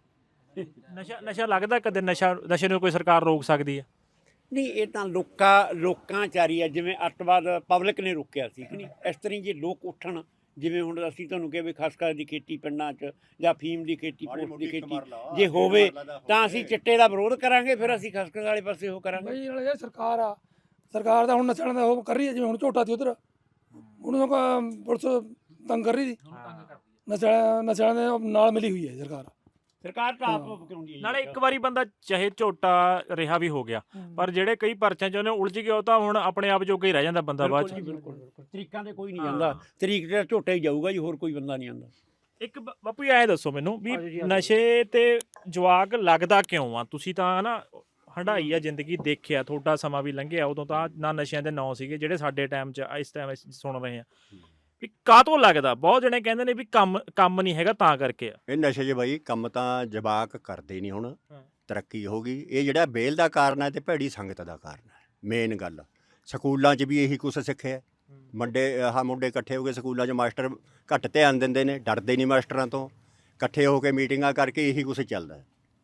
Speaker 3: ਨਸ਼ਾ ਨਸ਼ਾ ਲੱਗਦਾ ਕਦੇ ਨਸ਼ਾ ਨਸ਼ੇ ਨੂੰ ਕੋਈ ਸਰਕਾਰ ਰੋਕ ਸਕਦੀ ਹੈ?
Speaker 1: ਨਹੀਂ, ਇਹ ਤਾਂ ਲੋਕਾਂ ਲੋਕਾਂ ਚਾਰੀ ਆ। ਜਿਵੇਂ ਅੱਤਵਾਦ ਪਬਲਿਕ ਨੇ ਰੋਕਿਆ ਸੀ ਕਿ ਨਹੀਂ, ਇਸ ਤਰ੍ਹਾਂ ਜੇ ਲੋਕ ਉੱਠਣ। ਜਿਵੇਂ ਹੁਣ ਅਸੀਂ ਤੁਹਾਨੂੰ ਕਿਹਾ ਵੀ ਖਸਖਸ ਦੀ ਖੇਤੀ ਪਿੰਡਾਂ 'ਚ ਜਾਂ ਫੀਮ ਦੀ ਖੇਤੀ, ਪੋਸਟ ਦੀ ਖੇਤੀ ਜੇ ਹੋਵੇ ਤਾਂ ਅਸੀਂ ਚਿੱਟੇ ਦਾ ਵਿਰੋਧ ਕਰਾਂਗੇ, ਫਿਰ ਅਸੀਂ ਖਸਖਸ ਵਾਲੇ ਪਾਸੇ ਉਹ ਕਰਾਂਗੇ।
Speaker 6: ਬਈ ਨਾਲ ਇਹ ਸਰਕਾਰ ਆ, ਸਰਕਾਰ ਦਾ ਹੁਣ ਨਸ਼ੇ ਵਾਲਿਆਂ ਦਾ ਉਹ ਕਰ ਰਹੀ ਹੈ। ਜਿਵੇਂ ਹੁਣ ਝੋਟਾ ਸੀ ਉਧਰ, ਉਹਨੂੰ ਤਾਂ ਪੁਲਿਸ ਤੰਗ ਕਰ ਰਹੀ ਸੀ। ਨਸ਼ੇ ਵਾਲਿਆਂ ਨਸ਼ੇ ਵਾਲਿਆਂ ਦੇ ਨਾਲ ਮਿਲੀ ਹੋਈ ਹੈ ਸਰਕਾਰ।
Speaker 1: ਸਰਕਾਰ ਤਾਂ ਆਪ ਕਰਾਉਂਦੀ ਹੈ।
Speaker 3: ਨਾਲੇ ਇੱਕ ਵਾਰੀ ਬੰਦਾ ਚਾਹੇ ਝੋਟਾ ਰਿਹਾ ਵੀ ਹੋ ਗਿਆ, ਪਰ ਜਿਹੜੇ ਕਈ ਪਰਚਿਆਂ 'ਚ ਉਹਨੇ ਉਲਝ ਗਿਆ ਉਹ ਤਾਂ ਹੁਣ ਆਪਣੇ ਆਪ ਜੋਗਾ ਹੀ ਰਹਿ ਜਾਂਦਾ ਬੰਦਾ ਬਾਅਦ 'ਚ।
Speaker 1: ਬਿਲਕੁਲ ਬਿਲਕੁਲ ਤਰੀਕਾਂ ਤੇ ਕੋਈ ਨਹੀਂ ਜਾਂਦਾ, ਤਰੀਕ ਤੇ ਝੋਟਾ ਹੀ ਜਾਊਗਾ ਜੀ, ਹੋਰ ਕੋਈ ਬੰਦਾ ਨਹੀਂ ਆਉਂਦਾ।
Speaker 3: ਇੱਕ ਬ- ਬਾਪੂ ਜੀ ਐਂ ਦੱਸੋ ਮੈਨੂੰ ਵੀ ਨਸ਼ੇ ਤੇ ਜਵਾਕ ਲੱਗਦਾ ਕਿਉਂ ਆ? ਤੁਸੀਂ ਤਾਂ ਨਾ ਹੰਡਾਈ ਆ ਜ਼ਿੰਦਗੀ, ਦੇਖਿਆ, ਤੁਹਾਡਾ ਸਮਾਂ ਵੀ ਲੰਘਿਆ, ਉਦੋਂ ਤਾਂ ਨਾ ਨਸ਼ਿਆਂ ਦੇ ਨਾਂ ਸੀਗੇ ਜਿਹੜੇ ਸਾਡੇ ਟਾਈਮ 'ਚ ਇਸ ਟਾਈਮ ਸੁਣ ਰਹੇ ਆ। ਵੀ ਕਾਹਤੋਂ ਲੱਗਦਾ? ਬਹੁਤ ਜਣੇ ਕਹਿੰਦੇ ਨੇ ਵੀ ਕੰਮ ਕੰਮ ਨਹੀਂ ਹੈਗਾ ਤਾਂ ਕਰਕੇ ਆ।
Speaker 2: ਇਹ ਨਸ਼ੇ 'ਚ ਬਾਈ ਕੰਮ ਤਾਂ ਜਵਾਕ ਕਰਦੇ ਨਹੀਂ। ਹੁਣ ਤਰੱਕੀ ਹੋ ਗਈ, ਇਹ ਜਿਹੜਾ ਬੇਲ ਦਾ ਕਾਰਨ ਹੈ ਤੇ ਭੈੜੀ ਸੰਗਤ ਦਾ ਕਾਰਨ ਹੈ। ਮੇਨ ਗੱਲ ਸਕੂਲਾਂ 'ਚ ਵੀ ਇਹੀ ਕੁਛ ਸਿੱਖਿਆ। ਮੁੰਡੇ ਆਹ ਮੁੰਡੇ ਇਕੱਠੇ ਹੋ ਕੇ ਸਕੂਲਾਂ 'ਚ ਮਾਸਟਰ ਘੱਟ ਧਿਆਨ ਦਿੰਦੇ ਨੇ, ਡਰਦੇ ਨਹੀਂ ਮਾਸਟਰਾਂ ਤੋਂ। ਇਕੱਠੇ ਹੋ ਕੇ ਮੀਟਿੰਗਾਂ ਕਰਕੇ ਇਹੀ ਕੁਛ ਚੱਲਦਾ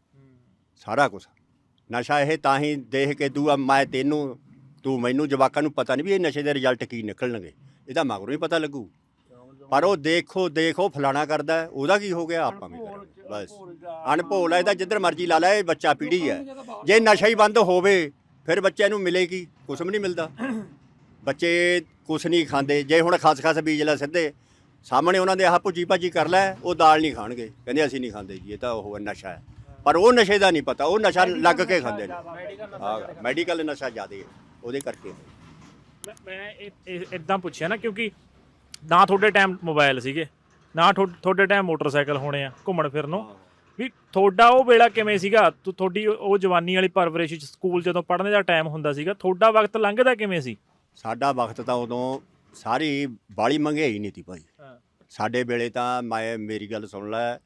Speaker 2: ਸਾਰਾ ਕੁਛ। ਨਸ਼ਾ ਇਹ ਤਾਂ ਹੀ ਦੇਖ ਕੇ ਤੂੰ ਮੈਂ ਤੈਨੂੰ ਤੂੰ ਮੈਨੂੰ, ਜਵਾਕਾਂ ਨੂੰ ਪਤਾ ਨਹੀਂ ਵੀ ਇਹ ਨਸ਼ੇ ਦੇ ਰਿਜ਼ਲਟ ਕੀ ਨਿਕਲਣਗੇ, ਇਹਦਾ ਮਗਰੋਂ ਹੀ ਪਤਾ ਲੱਗੂ। ਪਰ ਉਹ ਦੇਖੋ ਦੇਖੋ ਫਲਾਣਾ ਕਰਦਾ, ਉਹਦਾ ਕੀ ਹੋ ਗਿਆ, ਆਪਾਂ ਵੀ ਕਰਾਂਗੇ ਬਸ। ਅਣਭੋਲ ਹੈ ਇਹਦਾ, ਜਿੱਧਰ ਮਰਜ਼ੀ ਲਾ ਲੈ, ਇਹ ਬੱਚਾ ਪੀੜ੍ਹੀ ਹੈ। ਜੇ ਨਸ਼ਾ ਹੀ ਬੰਦ ਹੋਵੇ ਫਿਰ ਬੱਚਿਆਂ ਨੂੰ ਮਿਲੇਗੀ ਕੁਛ ਵੀ ਨਹੀਂ ਮਿਲਦਾ। ਬੱਚੇ ਕੁਛ ਨਹੀਂ ਖਾਂਦੇ। ਜੇ ਹੁਣ ਖਸਖਸ ਬੀਜ ਲੈ ਸਿੱਧੇ ਸਾਹਮਣੇ ਉਹਨਾਂ ਦੇ ਆਹ ਭੁੱਜੀ ਭਾਜੀ ਕਰ ਲੈ, ਉਹ ਦਾਲ ਨਹੀਂ ਖਾਣਗੇ, ਕਹਿੰਦੇ ਅਸੀਂ ਨਹੀਂ ਖਾਂਦੇ ਜੀ, ਇਹ ਤਾਂ ਉਹ ਨਸ਼ਾ ਹੈ। ਪਰ ਉਹ ਨਸ਼ੇ ਦਾ ਨਹੀਂ ਪਤਾ, ਉਹ ਨਸ਼ਾ ਲੱਗ ਕੇ ਖਾਂਦੇ ਨੇ। ਹਾਂ, ਮੈਡੀਕਲ ਨਸ਼ਾ ਜ਼ਿਆਦਾ ਹੈ ਉਹਦੇ ਕਰਕੇ।
Speaker 3: ਮੈਂ ਮੈਂ ਇਦਾਂ ਪੁੱਛਿਆ ਨਾ ਕਿਉਂਕਿ ਨਾ ਤੁਹਾਡੇ ਟਾਈਮ ਮੋਬਾਈਲ ਸੀਗੇ, ਨਾ ਤੁਹਾਡੇ ਟਾਈਮ ਮੋਟਰਸਾਈਕਲ ਹੋਣੇ ਆ ਘੁੰਮਣ ਫਿਰਨ ਨੂੰ। ਵੀ ਤੁਹਾਡਾ ਉਹ ਵੇਲਾ ਕਿਵੇਂ ਸੀਗਾ? ਤੁਹਾਡੀ ਉਹ ਜਵਾਨੀ ਵਾਲੀ ਪਰਵਰਿਸ਼, ਸਕੂਲ ਜਦੋਂ ਪੜ੍ਹਨੇ ਦਾ ਟਾਈਮ ਹੁੰਦਾ ਸੀਗਾ, ਤੁਹਾਡਾ ਵਕਤ ਲੰਘਦਾ ਕਿਵੇਂ ਸੀ?
Speaker 2: ਸਾਡਾ ਵਕਤ ਤਾਂ ਉਦੋਂ ਸਾਰੀ ਬਾਲੀ ਮਹਿੰਗਾਈ ਨਹੀਂ ਤੀ ਭਾਈ।
Speaker 3: ਹਾਂ
Speaker 2: ਸਾਡੇ ਵੇਲੇ ਤਾਂ ਮੈਂ ਮੇਰੀ ਗੱਲ ਸੁਣ ਲੈ,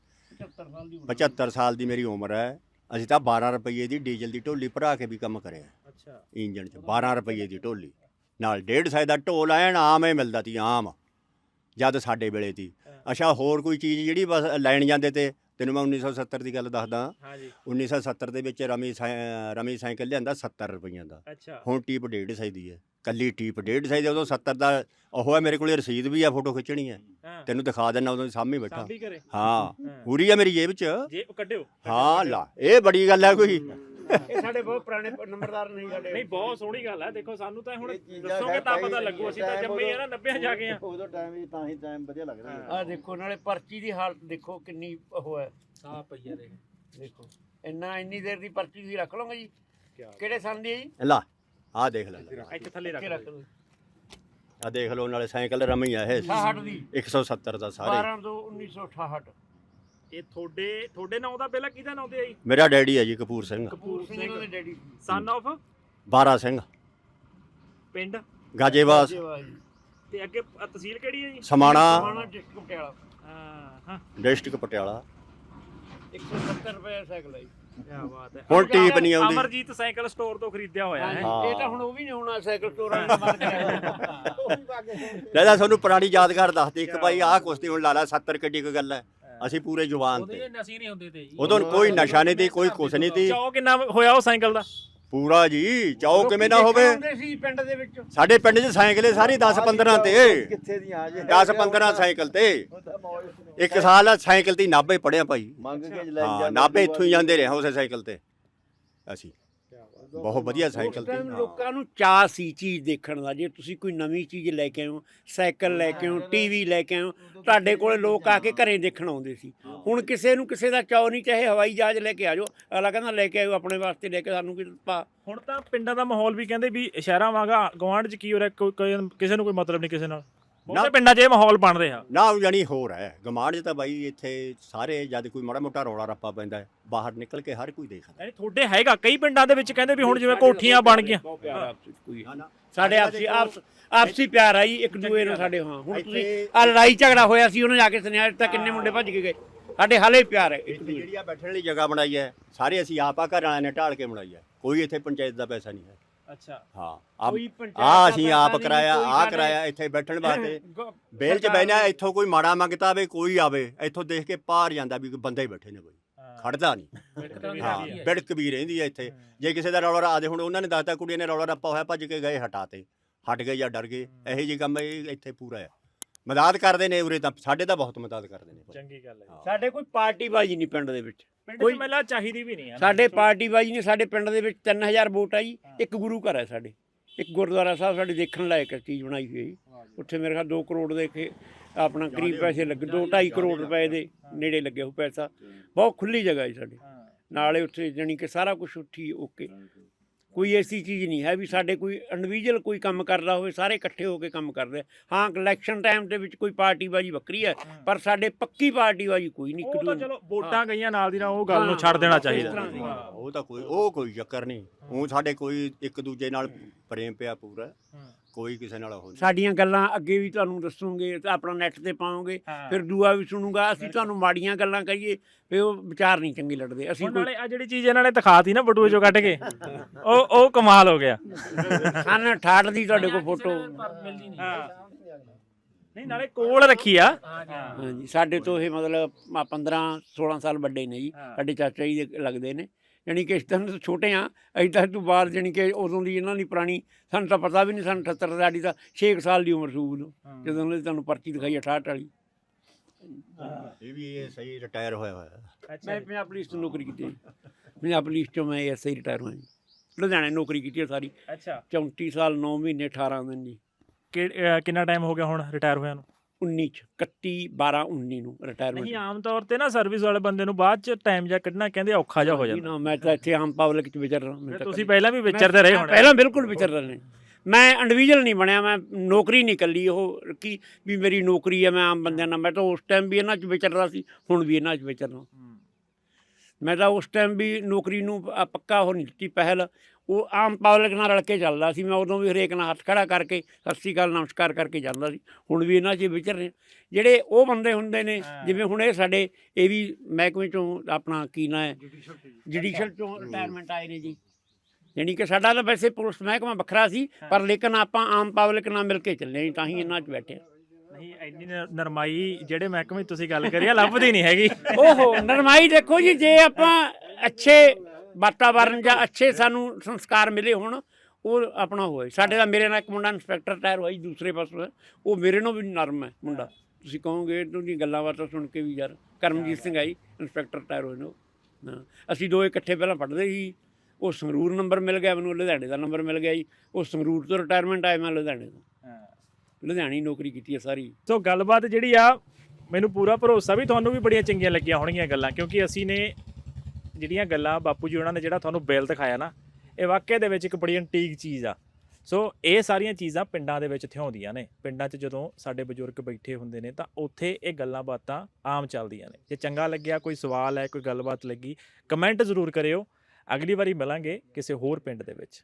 Speaker 2: ਪਝੱਤਰ ਸਾਲ ਦੀ ਮੇਰੀ ਉਮਰ ਹੈ, ਅਸੀਂ ਤਾਂ ਬਾਰਾਂ ਰੁਪਏ ਦੀ ਡੀਜ਼ਲ ਦੀ ਢੋਲੀ ਭਰਾ ਕੇ ਵੀ ਕੰਮ ਕਰਿਆ
Speaker 3: ਅੱਛਾ
Speaker 2: ਇੰਜਣ 'ਚ। ਬਾਰਾਂ ਰੁਪਏ ਦੀ ਢੋਲੀ ਨਾਲ ਡੇਢ ਸੌ ਦਾ ਢੋਲ ਐਨ ਆਮ ਹੀ ਮਿਲਦਾ ਤੀ, ਆਮ ਜਦ ਸਾਡੇ ਵੇਲੇ ਤੀ। ਅੱਛਾ ਹੋਰ ਕੋਈ ਚੀਜ਼ ਜਿਹੜੀ ਬਸ ਲੈਣ ਜਾਂਦੇ ਤੇ, ਤੈਨੂੰ ਮੈਂ ਉੱਨੀ ਸੌ ਸੱਤਰ ਦੀ ਗੱਲ ਦੱਸਦਾ।
Speaker 3: ਹਾਂਜੀ
Speaker 2: ਉੱਨੀ ਸੌ ਸੱਤਰ ਦੇ ਵਿੱਚ ਰਮੀ ਸਾਈ- ਰਮੀ ਸਾਈਕਲ ਲਿਆਂਦਾ ਸੱਤਰ ਰੁਪਈਆਂ ਦਾ,
Speaker 3: ਅੱਛਾ
Speaker 2: ਹੁਣ ਟੀਪ ਡੇਢ ਸੌ ਦੀ ਹੈ, ਕੱਲੀ ਟੀਪ ਡੇਢ ਸੌ ਦੀ। ਉਦੋਂ ਸੱਤਰ ਦਾ ਉਹ ਹੈ, ਮੇਰੇ ਕੋਲੇ ਰਸੀਦ ਵੀ ਆ, ਫੋਟੋ ਖਿੱਚਣੀ ਹੈ,
Speaker 3: ਹਾਂ
Speaker 2: ਤੈਨੂੰ ਦਿਖਾ ਦਿੰਦਾ, ਉਦੋਂ ਸਾਹਮਣੇ ਬੈਠਾ।
Speaker 3: ਸਾਂਭੀ ਕਰੇ
Speaker 2: ਹਾਂ ਪੂਰੀ ਆ ਮੇਰੀ ਜੇਬ 'ਚ।
Speaker 3: ਜੇ ਕੱਢਿਓ
Speaker 2: ਹਾਂ ਲਾ, ਇਹ ਬੜੀ ਗੱਲ ਹੈ ਕੋਈ।
Speaker 1: ਇਹ ਸਾਡੇ ਬਹੁਤ ਪੁਰਾਣੇ ਨੰਬਰਦਾਰ ਨਹੀਂ ਸਾਡੇ।
Speaker 3: ਨਹੀਂ ਬਹੁਤ ਸੋਹਣੀ ਗੱਲ ਹੈ। ਦੇਖੋ ਸਾਨੂੰ ਤਾਂ ਹੁਣ
Speaker 4: ਇਹ ਚੀਜ਼ਾਂ
Speaker 3: ਦੱਸੋਗੇ ਤਾਂ
Speaker 4: ਭਾਈ
Speaker 3: ਪਤਾ ਲੱਗੂ, ਅਸੀਂ ਤਾਂ
Speaker 4: ਟਾਈਮ
Speaker 3: ਜੰਮੇ ਆ ਨਾ ਨੱਬਿਆਂ ਜਾ ਕੇ ਆ।
Speaker 4: ਉਦੋਂ ਟਾਈਮ ਹੀ ਤਾਂ ਹੀ ਟਾਈਮ ਵਧੀਆ ਲੱਗਦਾ ਸੀ।
Speaker 1: ਆਹ ਦੇਖੋ ਨਾਲੇ ਪਰਚੀ ਦੀ ਹਾਲਤ ਦੇਖੋ ਕਿੰਨੀ ਉਹ ਹੈ।
Speaker 3: ਆ ਪਈਆ ਦੇਖ
Speaker 1: ਦੇਖੋ ਇੰਨਾ ਇੰਨੀ ਦੇਰ ਦੀ ਪਰਚੀ ਤੁਸੀਂ ਰੱਖ ਲਓਗੇ ਜੀ। ਕਿਹੜੇ ਸੰਨ ਦੀ ਹੈ ਜੀ?
Speaker 2: ਲਾ ਆਹ ਦੇਖ ਲੈ,
Speaker 3: ਇੱਥੇ ਥੱਲੇ
Speaker 1: ਇੱਥੇ
Speaker 3: ਰੱਖ
Speaker 1: ਰੱਖ ਲਓ।
Speaker 2: ਆਹ ਦੇਖ ਲਓ, ਨਾਲੇ ਸਾਈਕਲ ਰਮੀ ਆ ਇਹ
Speaker 1: ਅਠਾਹਠ ਦੀ
Speaker 2: ਇੱਕ ਸੌ ਸੱਤਰ ਦਾ ਸਾਰੇ।
Speaker 1: ਬਾਰਾਂ ਦੋ ਉੱਨੀ ਸੌ ਅਠਾਹਠ।
Speaker 3: ਇਹ ਤੁਹਾਡੇ ਤੁਹਾਡੇ ਨਾਂ ਦਾ ਪਹਿਲਾਂ ਕਿਹਦਾ ਨਾਂ ਤੇ ਆਈ?
Speaker 2: ਮੇਰਾ ਡੈਡੀ ਹੈ ਜੀ ਕਪੂਰ ਸਿੰਘ,
Speaker 3: ਕਪੂਰ
Speaker 1: ਸਿੰਘ ਦੇ
Speaker 3: ਸਿੰਘ
Speaker 1: ਡੈਡੀ
Speaker 3: ਸਨ ਆਫ
Speaker 2: ਬਾਰਾ ਸਿੰਘ,
Speaker 3: ਪਿੰਡ
Speaker 2: ਗਾਜੇਵਾਸ,
Speaker 3: ਤੇ ਅੱਗੇ ਅ, ਤਹਿਸੀਲ ਕਿਹੜੀ ਹੈ ਜੀ?
Speaker 2: ਸਮਾਣਾ,
Speaker 1: ਸਮਾਣਾ ਡਿਸਟ੍ਰਿਕਟ ਪਟਿਆਲਾ।
Speaker 3: ਹਾਂ ਹਾਂ
Speaker 2: ਡਿਸਟ੍ਰਿਕਟ ਪਟਿਆਲਾ।
Speaker 1: ਇੱਕ ਸੌ ਸੱਤਰ ਰੁਪਏ ਸਾਈਕਲ ਹੈ ਜੀ।
Speaker 3: ਕੀ ਬਾਤ ਹੈ।
Speaker 2: ਹੁਣ ਟੀਪ ਨਹੀਂ ਆਉਂਦੀ।
Speaker 3: ਅਮਰਜੀਤ ਸਾਈਕਲ ਸਟੋਰ ਤੋਂ ਖਰੀਦਿਆ ਹੋਇਆ ਹੈ।
Speaker 1: ਇਹ ਤਾਂ ਹੁਣ ਉਹ ਵੀ ਨਹੀਂ ਹੋਣਾ, ਸਾਈਕਲ ਸਟੋਰਾਂ ਨੇ ਬੰਦ ਕਰਿਆ।
Speaker 2: ਲੈ ਲੈ ਤੁਹਾਨੂੰ ਪੁਰਾਣੀ ਯਾਦਗਾਰ ਦੱਸਦੇ ਇੱਕ ਭਾਈ, ਆਹ ਕੁਸ਼ਤੀ ਹੁਣ ਲਾ ਲਾ, ਸੱਤਰ ਕਿੱਡੀ ਕੁ ਗੱਲ ਹੈ, ਅਸੀਂ ਪੂਰੇ ਜਵਾਨ ਤੇ।
Speaker 3: ਨਸ਼ੇ ਨਹੀਂ ਹੁੰਦੇ ਤੇ ਜੀ।
Speaker 2: ਉਦੋਂ ਕੋਈ ਨਸ਼ਾ ਨਹੀਂ ਤੀ, ਕੋਈ ਕੁਛ ਨਹੀਂ ਤੀ।
Speaker 3: ਚਾਓ ਕਿੰਨਾ ਹੋਇਆ ਉਹ ਸਾਈਕਲ ਦਾ?
Speaker 2: ਪੂਰਾ ਜੀ, ਚਾਹੋ ਕਿਵੇਂ ਨਾ ਹੋਵੇ।
Speaker 1: ਆਉਂਦੇ ਸੀ ਪਿੰਡ ਦੇ ਵਿੱਚ।
Speaker 2: ਸਾਡੇ ਪਿੰਡ 'ਚ ਸਾਈਕਲੇ ਸਾਰੀ ਦਸ ਪੰਦਰਾਂ ਤੇ,
Speaker 4: ਕਿੱਥੇ ਦੀਆਂ ਆ ਜੇ
Speaker 2: ਦਸ ਪੰਦਰਾਂ ਸਾਈਕਲ ਤੇ। ਇੱਕ ਸਾਲ ਸਾਈਕਲ ਤੇ ਨਾਭੇ ਪੜਿਆ ਭਾਈ।
Speaker 4: ਮੰਗ ਕੇ ਲੈ
Speaker 2: ਹਾਂ ਨਾਭੇ ਇੱਥੋਂ ਹੀ ਜਾਂਦੇ ਰਹੇ ਉਸੇ ਸਾਈਕਲ ਤੇ ਅਸੀਂ। ਬਹੁਤ ਵਧੀਆ ਸਾਈਕਲ
Speaker 1: ਉਸ
Speaker 2: ਤੇ।
Speaker 1: ਟਾਈਮ ਲੋਕਾਂ ਨੂੰ ਚਾਅ ਸੀ ਚੀਜ਼ ਦੇਖਣ ਦਾ। ਜੇ ਤੁਸੀਂ ਕੋਈ ਨਵੀਂ ਚੀਜ਼ ਲੈ ਕੇ ਆਓ, ਸਾਈਕਲ ਲੈ ਕੇ ਆਓ, ਟੀਵੀ ਲੈ ਕੇ ਆਓ, ਤੁਹਾਡੇ ਕੋਲੇ ਲੋਕ ਆ ਕੇ ਘਰੇ ਦੇਖਣ ਆਉਂਦੇ ਸੀ। ਹੁਣ ਕਿਸੇ ਨੂੰ ਕਿਸੇ ਦਾ ਚਾਅ ਨਹੀਂ, ਚਾਹੇ ਹਵਾਈ ਜਹਾਜ਼ ਲੈ ਕੇ ਆ ਜਾਓ, ਅਗਲਾ ਕਹਿੰਦਾ ਲੈ ਕੇ ਆਓ ਆਪਣੇ ਵਾਸਤੇ, ਲੈ ਕੇ ਸਾਨੂੰ ਕੀ ਪਾ।
Speaker 3: ਹੁਣ ਤਾਂ ਪਿੰਡਾਂ ਦਾ ਮਾਹੌਲ ਵੀ ਕਹਿੰਦੇ ਵੀ ਸ਼ਹਿਰਾਂ ਵਾਂਗਾ ਗਵਾਂਢ 'ਚ ਕੀ ਹੋ ਰਿਹਾ, ਕੋਈ ਕੋਈ- ਕਿਸੇ ਨੂੰ ਕੋਈ ਮਤਲਬ ਨਹੀਂ ਕਿਸੇ ਨਾਲ। ਬਹੁਤੇ ਪਿੰਡਾਂ 'ਚ ਇਹ ਮਾਹੌਲ ਬਣ ਰਿਹਾ।
Speaker 2: ਨਾ ਜਾਣੀ ਹੋਰ ਹੈ ਗਮਾਂਡ 'ਚ ਤਾਂ ਬਾਈ ਇੱਥੇ ਸਾਰੇ ਜਦ ਕੋਈ ਮਾੜਾ ਮੋਟਾ ਰੌਲਾ ਰੱਪਾ ਪੈਂਦਾ ਹੈ, ਬਾਹਰ ਨਿਕਲ ਕੇ ਹਰ ਕੋਈ ਦੇਖਦਾ।
Speaker 3: ਯਾਨੀ ਤੁਹਾਡੇ ਹੈਗਾ ਕਈ ਪਿੰਡਾਂ ਦੇ ਵਿੱਚ ਕਹਿੰਦੇ ਵੀ ਹੁਣ ਜਿਵੇਂ ਕੋਠੀਆਂ ਬਣ ਗਈਆਂ।
Speaker 1: ਬਹੁਤ ਪਿਆਰ ਆਪਸੀ ਕੋਈ ਸਾਡੇ ਆਪਸੀ ਆਪਸ ਆਪਸੀ ਪਿਆਰ ਆਈ ਇੱਕ ਦੂਏ ਨੂੰ ਸਾਡੇ। ਹਾਂ ਹੁਣ ਤੁਸੀਂ ਆ ਲੜਾਈ ਝਗੜਾ ਹੋਇਆ ਸੀ, ਉਹਨੇ ਜਾ ਕੇ ਸੁਨਿਆਰ ਤਾਂ ਕਿੰਨੇ ਮੁੰਡੇ ਭੱਜ ਕੇ ਗਏ। ਸਾਡੇ ਹਾਲੇ ਪਿਆਰ ਹੈ ਇੱਕ
Speaker 2: ਇੱਥੇ
Speaker 1: ਦੂਏ
Speaker 2: ਜਿਹੜੀ ਆ ਬੈਠਣ ਲਈ ਜਗ੍ਹਾ ਬਣਾਈ ਹੈ, ਸਾਰੇ ਅਸੀਂ ਆਪ ਆ ਘਰ ਵਾਲਿਆਂ ਨੇ ਢਾਲ ਕੇ ਬਣਾਈ ਹੈ, ਕੋਈ ਇੱਥੇ ਪੰਚਾਇਤ ਦਾ ਪੈਸਾ ਨਹੀਂ ਹੈ।
Speaker 3: ਅੱਛਾ
Speaker 2: ਹਾਂ ਆ
Speaker 1: ਕੋਈ ਪੰਚਾਇਤ
Speaker 2: ਆ
Speaker 1: ਦਾ
Speaker 2: ਅਸੀਂ
Speaker 1: ਪੈਸਾ
Speaker 2: ਆਪ
Speaker 1: ਨਹੀਂ,
Speaker 2: ਕਰਾਇਆ,
Speaker 1: ਕੋਈ
Speaker 2: ਆ
Speaker 1: ਸਾਡੇ-
Speaker 2: ਕਰਾਇਆ ਇੱਥੇ ਬੈਠਣ ਵਾਸਤੇ।
Speaker 1: ਗ-
Speaker 2: ਬੇਲ 'ਚ ਬਹਿਣਾ, ਇੱਥੋਂ ਕੋਈ ਮਾੜਾ ਮੰਗਤਾ ਆਵੇ, ਕੋਈ ਆਵੇ ਇੱਥੋਂ ਦੇਖ ਕੇ ਪਾਰ ਜਾਂਦਾ ਵੀ ਕੋਈ ਬੰਦੇ ਹੀ ਬੈਠੇ ਨੇ, ਕੋਈ ਖੜਦਾ ਨਹੀਂ। ਹਾਂ ਬਿੜਕ ਵੀ ਰਹਿੰਦੀ ਹੈ ਇੱਥੇ। ਜੇ ਕਿਸੇ ਦਾ ਰੌਲਾ ਆਦੇ, ਹੁਣ ਉਹਨਾਂ ਨੇ ਦੱਸਤਾ ਕੁੜੀਆਂ ਨੇ ਰੌਲਾ ਰੱਪਾ ਹੋਇਆ, ਭੱਜ ਕੇ ਗਏ, ਹਟਾਤੇ, ਹਟ ਗਏ ਜਾਂ ਡਰ ਗਏ। ਇਹੋ ਜਿਹੇ ਕੰਮ ਇਹ ਇੱਥੇ ਪੂਰਾ ਆ। ਮਦਦ ਕਰਦੇ ਨੇ ਉਰੇ ਤਾਂ, ਸਾਡੇ ਤਾਂ ਬਹੁਤ ਮਦਦ ਕਰਦੇ ਨੇ।
Speaker 3: ਚੰਗੀ ਗੱਲ ਹੈ।
Speaker 1: ਸਾਡੇ ਕੋਈ ਪਾਰਟੀ ਬਾਜੀ ਨਹੀਂ ਪਿੰਡ ਦੇ ਵਿੱਚ।
Speaker 3: ਪਿੰਡ 'ਚ ਮਹਿਲਾ ਚਾਹੀਦੀ ਵੀ ਨਹੀਂ ਹੈ।
Speaker 1: ਸਾਡੇ ਪਾਰਟੀ ਬਾਜੀ ਨਹੀਂ। ਸਾਡੇ ਪਿੰਡ ਦੇ ਵਿੱਚ ਤਿੰਨ ਹਜ਼ਾਰ ਵੋਟ ਆ ਜੀ। ਇੱਕ ਗੁਰੂ ਘਰ ਹੈ ਸਾਡੇ, ਇੱਕ ਗੁਰਦੁਆਰਾ ਸਾਹਿਬ ਸਾਡੇ ਦੇਖਣ ਲਾਇਕ ਚੀਜ਼ ਬਣਾਈ ਹੋਈ ਹੈ ਜੀ। ਉੱਥੇ ਮੇਰੇ ਖਿਆਲ ਦੋ ਕਰੋੜ ਦੇ ਕੇ ਆਪਣਾ ਕਰੀਬ ਪੈਸੇ ਲੱਗੇ, ਦੋ ਢਾਈ ਕਰੋੜ ਰੁਪਏ ਦੇ ਨੇੜੇ ਲੱਗਿਆ ਉਹ ਪੈਸਾ। ਬਹੁਤ ਖੁੱਲੀ ਜਗ੍ਹਾ ਹੈ ਸਾਡੀ, ਨਾਲੇ ਉੱਥੇ ਜਾਣੀ ਕਿ ਸਾਰਾ ਕੁਝ ਉੱਠੀ ਓਕੇ। ਕੋਈ ਐਸੀ ਚੀਜ਼ ਨਹੀਂ ਹੈ ਵੀ ਸਾਡੇ ਕੋਈ ਇੰਡੀਵਿਜੂਅਲ ਕੋਈ ਕੰਮ ਕਰਦਾ ਹੋਵੇ, ਸਾਰੇ ਇਕੱਠੇ ਹੋ ਕੇ ਕੰਮ ਕਰਦੇ। ਹਾਂ ਇਲੈਕਸ਼ਨ ਟਾਈਮ ਦੇ ਵਿੱਚ ਕੋਈ ਪਾਰਟੀ ਬਾਜੀ ਵੱਖਰੀ ਹੈ, ਪਰ ਸਾਡੇ ਪੱਕੀ ਪਾਰਟੀ ਬਾਜੀ ਕੋਈ ਨਹੀਂ।
Speaker 3: ਉਹ ਤਾਂ ਚਲੋ ਵੋਟਾਂ ਗਈਆਂ ਨਾਲ ਦੀ ਨਾਲ, ਉਹ ਗੱਲ ਨੂੰ ਛੱਡ ਦੇਣਾ ਚਾਹੀਦਾ।
Speaker 2: ਉਹ ਤਾਂ ਕੋਈ ਉਹ ਕੋਈ ਚੱਕਰ ਨਹੀਂ। ਉਹ ਸਾਡੇ ਕੋਈ ਇੱਕ ਦੂਜੇ ਨਾਲ ਪ੍ਰੇਮ ਪਿਆ ਪੂਰਾ, ਕੋਈ ਕਿਸੇ ਨਾਲ ਉਹ ਨਹੀਂ।
Speaker 1: ਸਾਡੀਆਂ ਗੱਲਾਂ ਅੱਗੇ ਵੀ ਤੁਹਾਨੂੰ ਦੱਸੂਗੇ, ਤੇ ਆਪਣਾ ਨੈਟ ਤੇ ਪਾਓਗੇ, ਫਿਰ ਦੂਆ ਵੀ ਸੁਣੂਗਾ। ਅਸੀਂ ਤੁਹਾਨੂੰ ਮਾੜੀਆਂ ਗੱਲਾਂ ਕਹੀਏ ਵੀ ਉਹ ਵਿਚਾਰ ਨਹੀਂ ਚੰਗੇ ਲੜਦੇ। ਅਸੀਂ
Speaker 3: ਨਾਲੇ ਆ ਜਿਹੜੀ ਚੀਜ਼ ਇਹਨਾਂ ਨੇ ਦਿਖਾਤੀ ਨਾ ਬਟੂਏ ਚੋਂ ਕੱਢ ਕੇ, ਉਹ ਉਹ ਕਮਾਲ ਹੋ ਗਿਆ।
Speaker 1: ਖਾਨ ਅਠਾਹਠ ਦੀ ਤੁਹਾਡੇ ਕੋਲ ਫੋਟੋ।
Speaker 3: ਨਹੀਂ ਨਾਲੇ ਕੋਲ ਰੱਖੀ ਆ।
Speaker 1: ਹਾਂਜੀ ਸਾਡੇ ਤੋਂ ਇਹ ਮਤਲਬ ਪੰਦਰਾਂ ਸੋਲਾਂ ਸਾਲ ਵੱਡੇ ਨੇ ਜੀ। ਸਾਡੇ ਚਾਚਾ ਜੀ ਦੇ ਲੱਗਦੇ ਨੇ, ਜਾਣੀ ਕਿ ਇਸ ਤਰ੍ਹਾਂ ਤੋਂ ਛੋਟੇ ਆ ਅਸੀਂ ਤਾਂ ਤੋਂ ਬਾਅਦ, ਜਾਣੀ ਕਿ ਉਦੋਂ ਦੀ ਇਹਨਾਂ ਦੀ ਪੁਰਾਣੀ ਸਾਨੂੰ ਤਾਂ ਪਤਾ ਵੀ ਨਹੀਂ। ਸਾਨੂੰ ਅਠੱਤਰ ਸਾਡੀ ਤਾਂ ਛੇ ਕੁ ਸਾਲ ਦੀ ਉਮਰ ਸੀ ਉਦੋਂ, ਜਦੋਂ ਉਹਨਾਂ ਦੀ ਤੁਹਾਨੂੰ ਪਰਚੀ ਦਿਖਾਈ ਅਠਾਹਠ ਵਾਲੀ।
Speaker 2: ਇਹ ਵੀ ਇਹ ਸਹੀ ਰਿਟਾਇਰ ਹੋਇਆ ਹੋਇਆ।
Speaker 1: ਮੈਂ ਪੰਜਾਬ ਪੁਲਿਸ ਤੋਂ ਨੌਕਰੀ ਕੀਤੀ। ਪੰਜਾਬ ਪੁਲਿਸ ਤੋਂ ਮੈਂ ਐਸ ਆਈ ਰਿਟਾਇਰ ਹੋਇਆ ਜੀ। ਲੁਧਿਆਣੇ ਨੌਕਰੀ ਕੀਤੀ ਸਾਰੀ।
Speaker 3: ਅੱਛਾ
Speaker 1: ਚੌਂਤੀ ਸਾਲ ਨੌ ਮਹੀਨੇ ਅਠਾਰਾਂ ਦਿਨ ਜੀ।
Speaker 3: ਕਿੰਨਾ ਟਾਈਮ ਹੋ ਗਿਆ ਹੁਣ ਰਿਟਾਇਰ ਹੋਇਆ ਨੂੰ?
Speaker 1: ਉੱਨੀ ਚ ਇਕੱਤੀ ਬਾਰਾਂ ਉੱਨੀ ਨੂੰ ਰਿਟਾਇਰਮੈਂਟ।
Speaker 3: ਨਹੀਂ ਆਮ ਤੌਰ ਤੇ ਨਾ ਸਰਵਿਸ ਵਾਲੇ ਬੰਦੇ ਨੂੰ ਬਾਅਦ ਚ ਟਾਈਮ ਜਾਂ ਕੱਢਣਾ ਕਹਿੰਦੇ ਔਖਾ ਜਿਹਾ ਹੋ ਜਾਂਦਾ।
Speaker 1: ਨਾ ਮੈਂ ਤਾਂ ਇੱਥੇ ਆਮ ਪਬਲਿਕ ਚ ਵਿਚਰ ਰਿਹਾ।
Speaker 3: ਤੁਸੀਂ ਪਹਿਲਾਂ ਵੀ ਵਿਚਰਦੇ ਰਹੇ ਹੋਣੇ।
Speaker 1: ਪਹਿਲਾਂ ਬਿਲਕੁਲ ਵਿਚਰ ਰਹੇ ਨੇ। ਮੈਂ ਇੰਡੀਵਿਜੂਅਲ ਨਹੀਂ ਬਣਿਆ, ਮੈਂ ਨੌਕਰੀ ਨਹੀਂ ਇਕੱਲੀ ਉਹ ਕੀ ਵੀ ਮੇਰੀ ਨੌਕਰੀ ਹੈ, ਮੈਂ ਆਮ ਬੰਦਿਆਂ ਨਾਲ। ਮੈਂ ਤਾਂ ਉਸ ਟਾਈਮ ਵੀ ਇਹਨਾਂ 'ਚ ਵਿਚਰਦਾ ਸੀ, ਹੁਣ ਵੀ ਇਹਨਾਂ 'ਚ ਵਿਚਰਨਾ। ਮੈਂ ਤਾਂ ਉਸ ਟਾਈਮ ਵੀ ਨੌਕਰੀ ਨੂੰ ਪ- ਪੱਕਾ ਉਹ ਨਹੀਂ ਦਿੱਤੀ ਪਹਿਲ। ਉਹ ਆਮ ਪਬਲਿਕ ਨਾਲ ਰਲ ਕੇ ਚੱਲਦਾ ਸੀ। ਮੈਂ ਉਦੋਂ ਵੀ ਹਰੇਕ ਨਾਲ ਹੱਥ ਖੜਾ ਕਰਕੇ ਸਤਿ ਸ਼੍ਰੀ ਅਕਾਲ ਨਮਸਕਾਰ ਕਰਕੇ ਜਾਂਦਾ ਸੀ। ਹੁਣ ਵੀ ਇਹਨਾਂ 'ਚ ਵਿਚਰ ਰਹੇ। ਜਿਹੜੇ ਉਹ ਬੰਦੇ ਹੁੰਦੇ ਨੇ ਜਿਵੇਂ ਹੁਣ ਇਹ ਸਾਡੇ ਇਹ ਵੀ ਮਹਿਕਮੇ 'ਚੋਂ ਆਪਣਾ ਕੀ ਨਾਂ ਹੈ ਜੁਡੀਸ਼ਲ 'ਚੋਂ ਰਿਟਾਇਰਮੈਂਟ ਆਏ ਨੇ ਜੀ। ਜਾਣੀ ਕਿ ਸਾਡਾ ਤਾਂ ਵੈਸੇ ਪੁਲਿਸ ਮਹਿਕਮਾ ਵੱਖਰਾ ਸੀ, ਪਰ ਲੇਕਿਨ ਆਪਾਂ ਆਮ ਪਬਲਿਕ ਨਾਲ ਮਿਲ ਕੇ ਚੱਲੇ ਜੀ, ਤਾਂ ਹੀ ਇਹਨਾਂ 'ਚ ਬੈਠੇ।
Speaker 3: ਨਹੀਂ ਇੰਨੀ ਨ- ਨਰਮਾਈ ਜਿਹੜੇ ਮਹਿਕਮੇ 'ਚ ਤੁਸੀਂ ਗੱਲ ਕਰੀ ਆ ਲੱਭਦੀ ਨਹੀਂ ਹੈਗੀ।
Speaker 1: ਓਹੋ ਨਰਮਾਈ ਦੇਖੋ ਜੀ, ਜੇ ਆਪਾਂ ਅੱਛੇ ਵਾਤਾਵਰਨ ਜਾਂ ਅੱਛੇ ਸਾਨੂੰ ਸੰਸਕਾਰ ਮਿਲੇ ਹੋਣ ਉਹ ਆਪਣਾ ਹੋਏ। ਸਾਡੇ ਦਾ ਮੇਰੇ ਨਾਲ ਇੱਕ ਮੁੰਡਾ ਇੰਸਪੈਕਟਰ ਰਿਟਾਇਰ ਹੋਇਆ ਜੀ ਦੂਸਰੇ ਪਾਸੇ, ਉਹ ਮੇਰੇ ਨਾਲੋਂ ਵੀ ਨਰਮ ਹੈ ਮੁੰਡਾ। ਤੁਸੀਂ ਕਹੋਗੇ ਤੁਹਾਡੀ ਗੱਲਾਂ ਬਾਤਾਂ ਸੁਣ ਕੇ ਵੀ ਯਾਰ ਕਰਮਜੀਤ ਸਿੰਘ ਆਈ ਇੰਸਪੈਕਟਰ ਰਿਟਾਇਰ ਹੋਏ ਨੇ ਉਹ। ਹਾਂ ਅਸੀਂ ਦੋ ਇਕੱਠੇ ਪਹਿਲਾਂ ਪੜ੍ਹਦੇ ਸੀ। ਉਹ ਸੰਗਰੂਰ ਨੰਬਰ ਮਿਲ ਗਿਆ ਮੈਨੂੰ, ਲੁਧਿਆਣੇ ਦਾ ਨੰਬਰ ਮਿਲ ਗਿਆ ਜੀ। ਉਹ ਸੰਗਰੂਰ ਤੋਂ ਰਿਟਾਇਰਮੈਂਟ ਆਏ, ਮੈਂ ਲੁਧਿਆਣੇ ਤੋਂ ਲੁਧਿਆਣੇ ਨੌਕਰੀ ਕੀਤੀ ਹੈ ਸਾਰੀ।
Speaker 3: ਸੋ ਗੱਲਬਾਤ ਜਿਹੜੀ ਆ ਮੈਨੂੰ ਪੂਰਾ ਭਰੋਸਾ ਵੀ ਤੁਹਾਨੂੰ ਵੀ ਬੜੀਆਂ ਚੰਗੀਆਂ ਲੱਗੀਆਂ ਹੋਣਗੀਆਂ ਗੱਲਾਂ, ਕਿਉਂਕਿ ਅਸੀਂ ਨੇ ਜਿਹੜੀਆਂ ਗੱਲਾਂ ਬਾਪੂ ਜੀ ਉਹਨਾਂ ਨੇ ਜਿਹੜਾ ਤੁਹਾਨੂੰ ਬਿੱਲ ਦਿਖਾਇਆ ਨਾ, ਇਹ ਵਾਕਿਆ ਦੇ ਵਿੱਚ ਇੱਕ ਬੜੀ ਐਂਟੀਕ ਚੀਜ਼ ਆ। ਸੋ ਇਹ ਸਾਰੀਆਂ ਚੀਜ਼ਾਂ ਪਿੰਡਾਂ ਦੇ ਵਿੱਚ ਥਿਆਉਂਦੀਆਂ ਨੇ। ਪਿੰਡਾਂ 'ਚ ਜਦੋਂ ਸਾਡੇ ਬਜ਼ੁਰਗ ਬੈਠੇ ਹੁੰਦੇ ਨੇ ਤਾਂ ਉੱਥੇ ਇਹ ਗੱਲਾਂ ਬਾਤਾਂ ਆਮ ਚੱਲਦੀਆਂ ਨੇ। ਜੇ ਚੰਗਾ ਲੱਗਿਆ, ਕੋਈ ਸਵਾਲ ਹੈ, ਕੋਈ ਗੱਲਬਾਤ ਲੱਗੀ, ਕਮੈਂਟ ਜ਼ਰੂਰ ਕਰਿਓ। ਅਗਲੀ ਵਾਰੀ ਮਿਲਾਂਗੇ ਕਿਸੇ ਹੋਰ ਪਿੰਡ ਦੇ ਵਿੱਚ।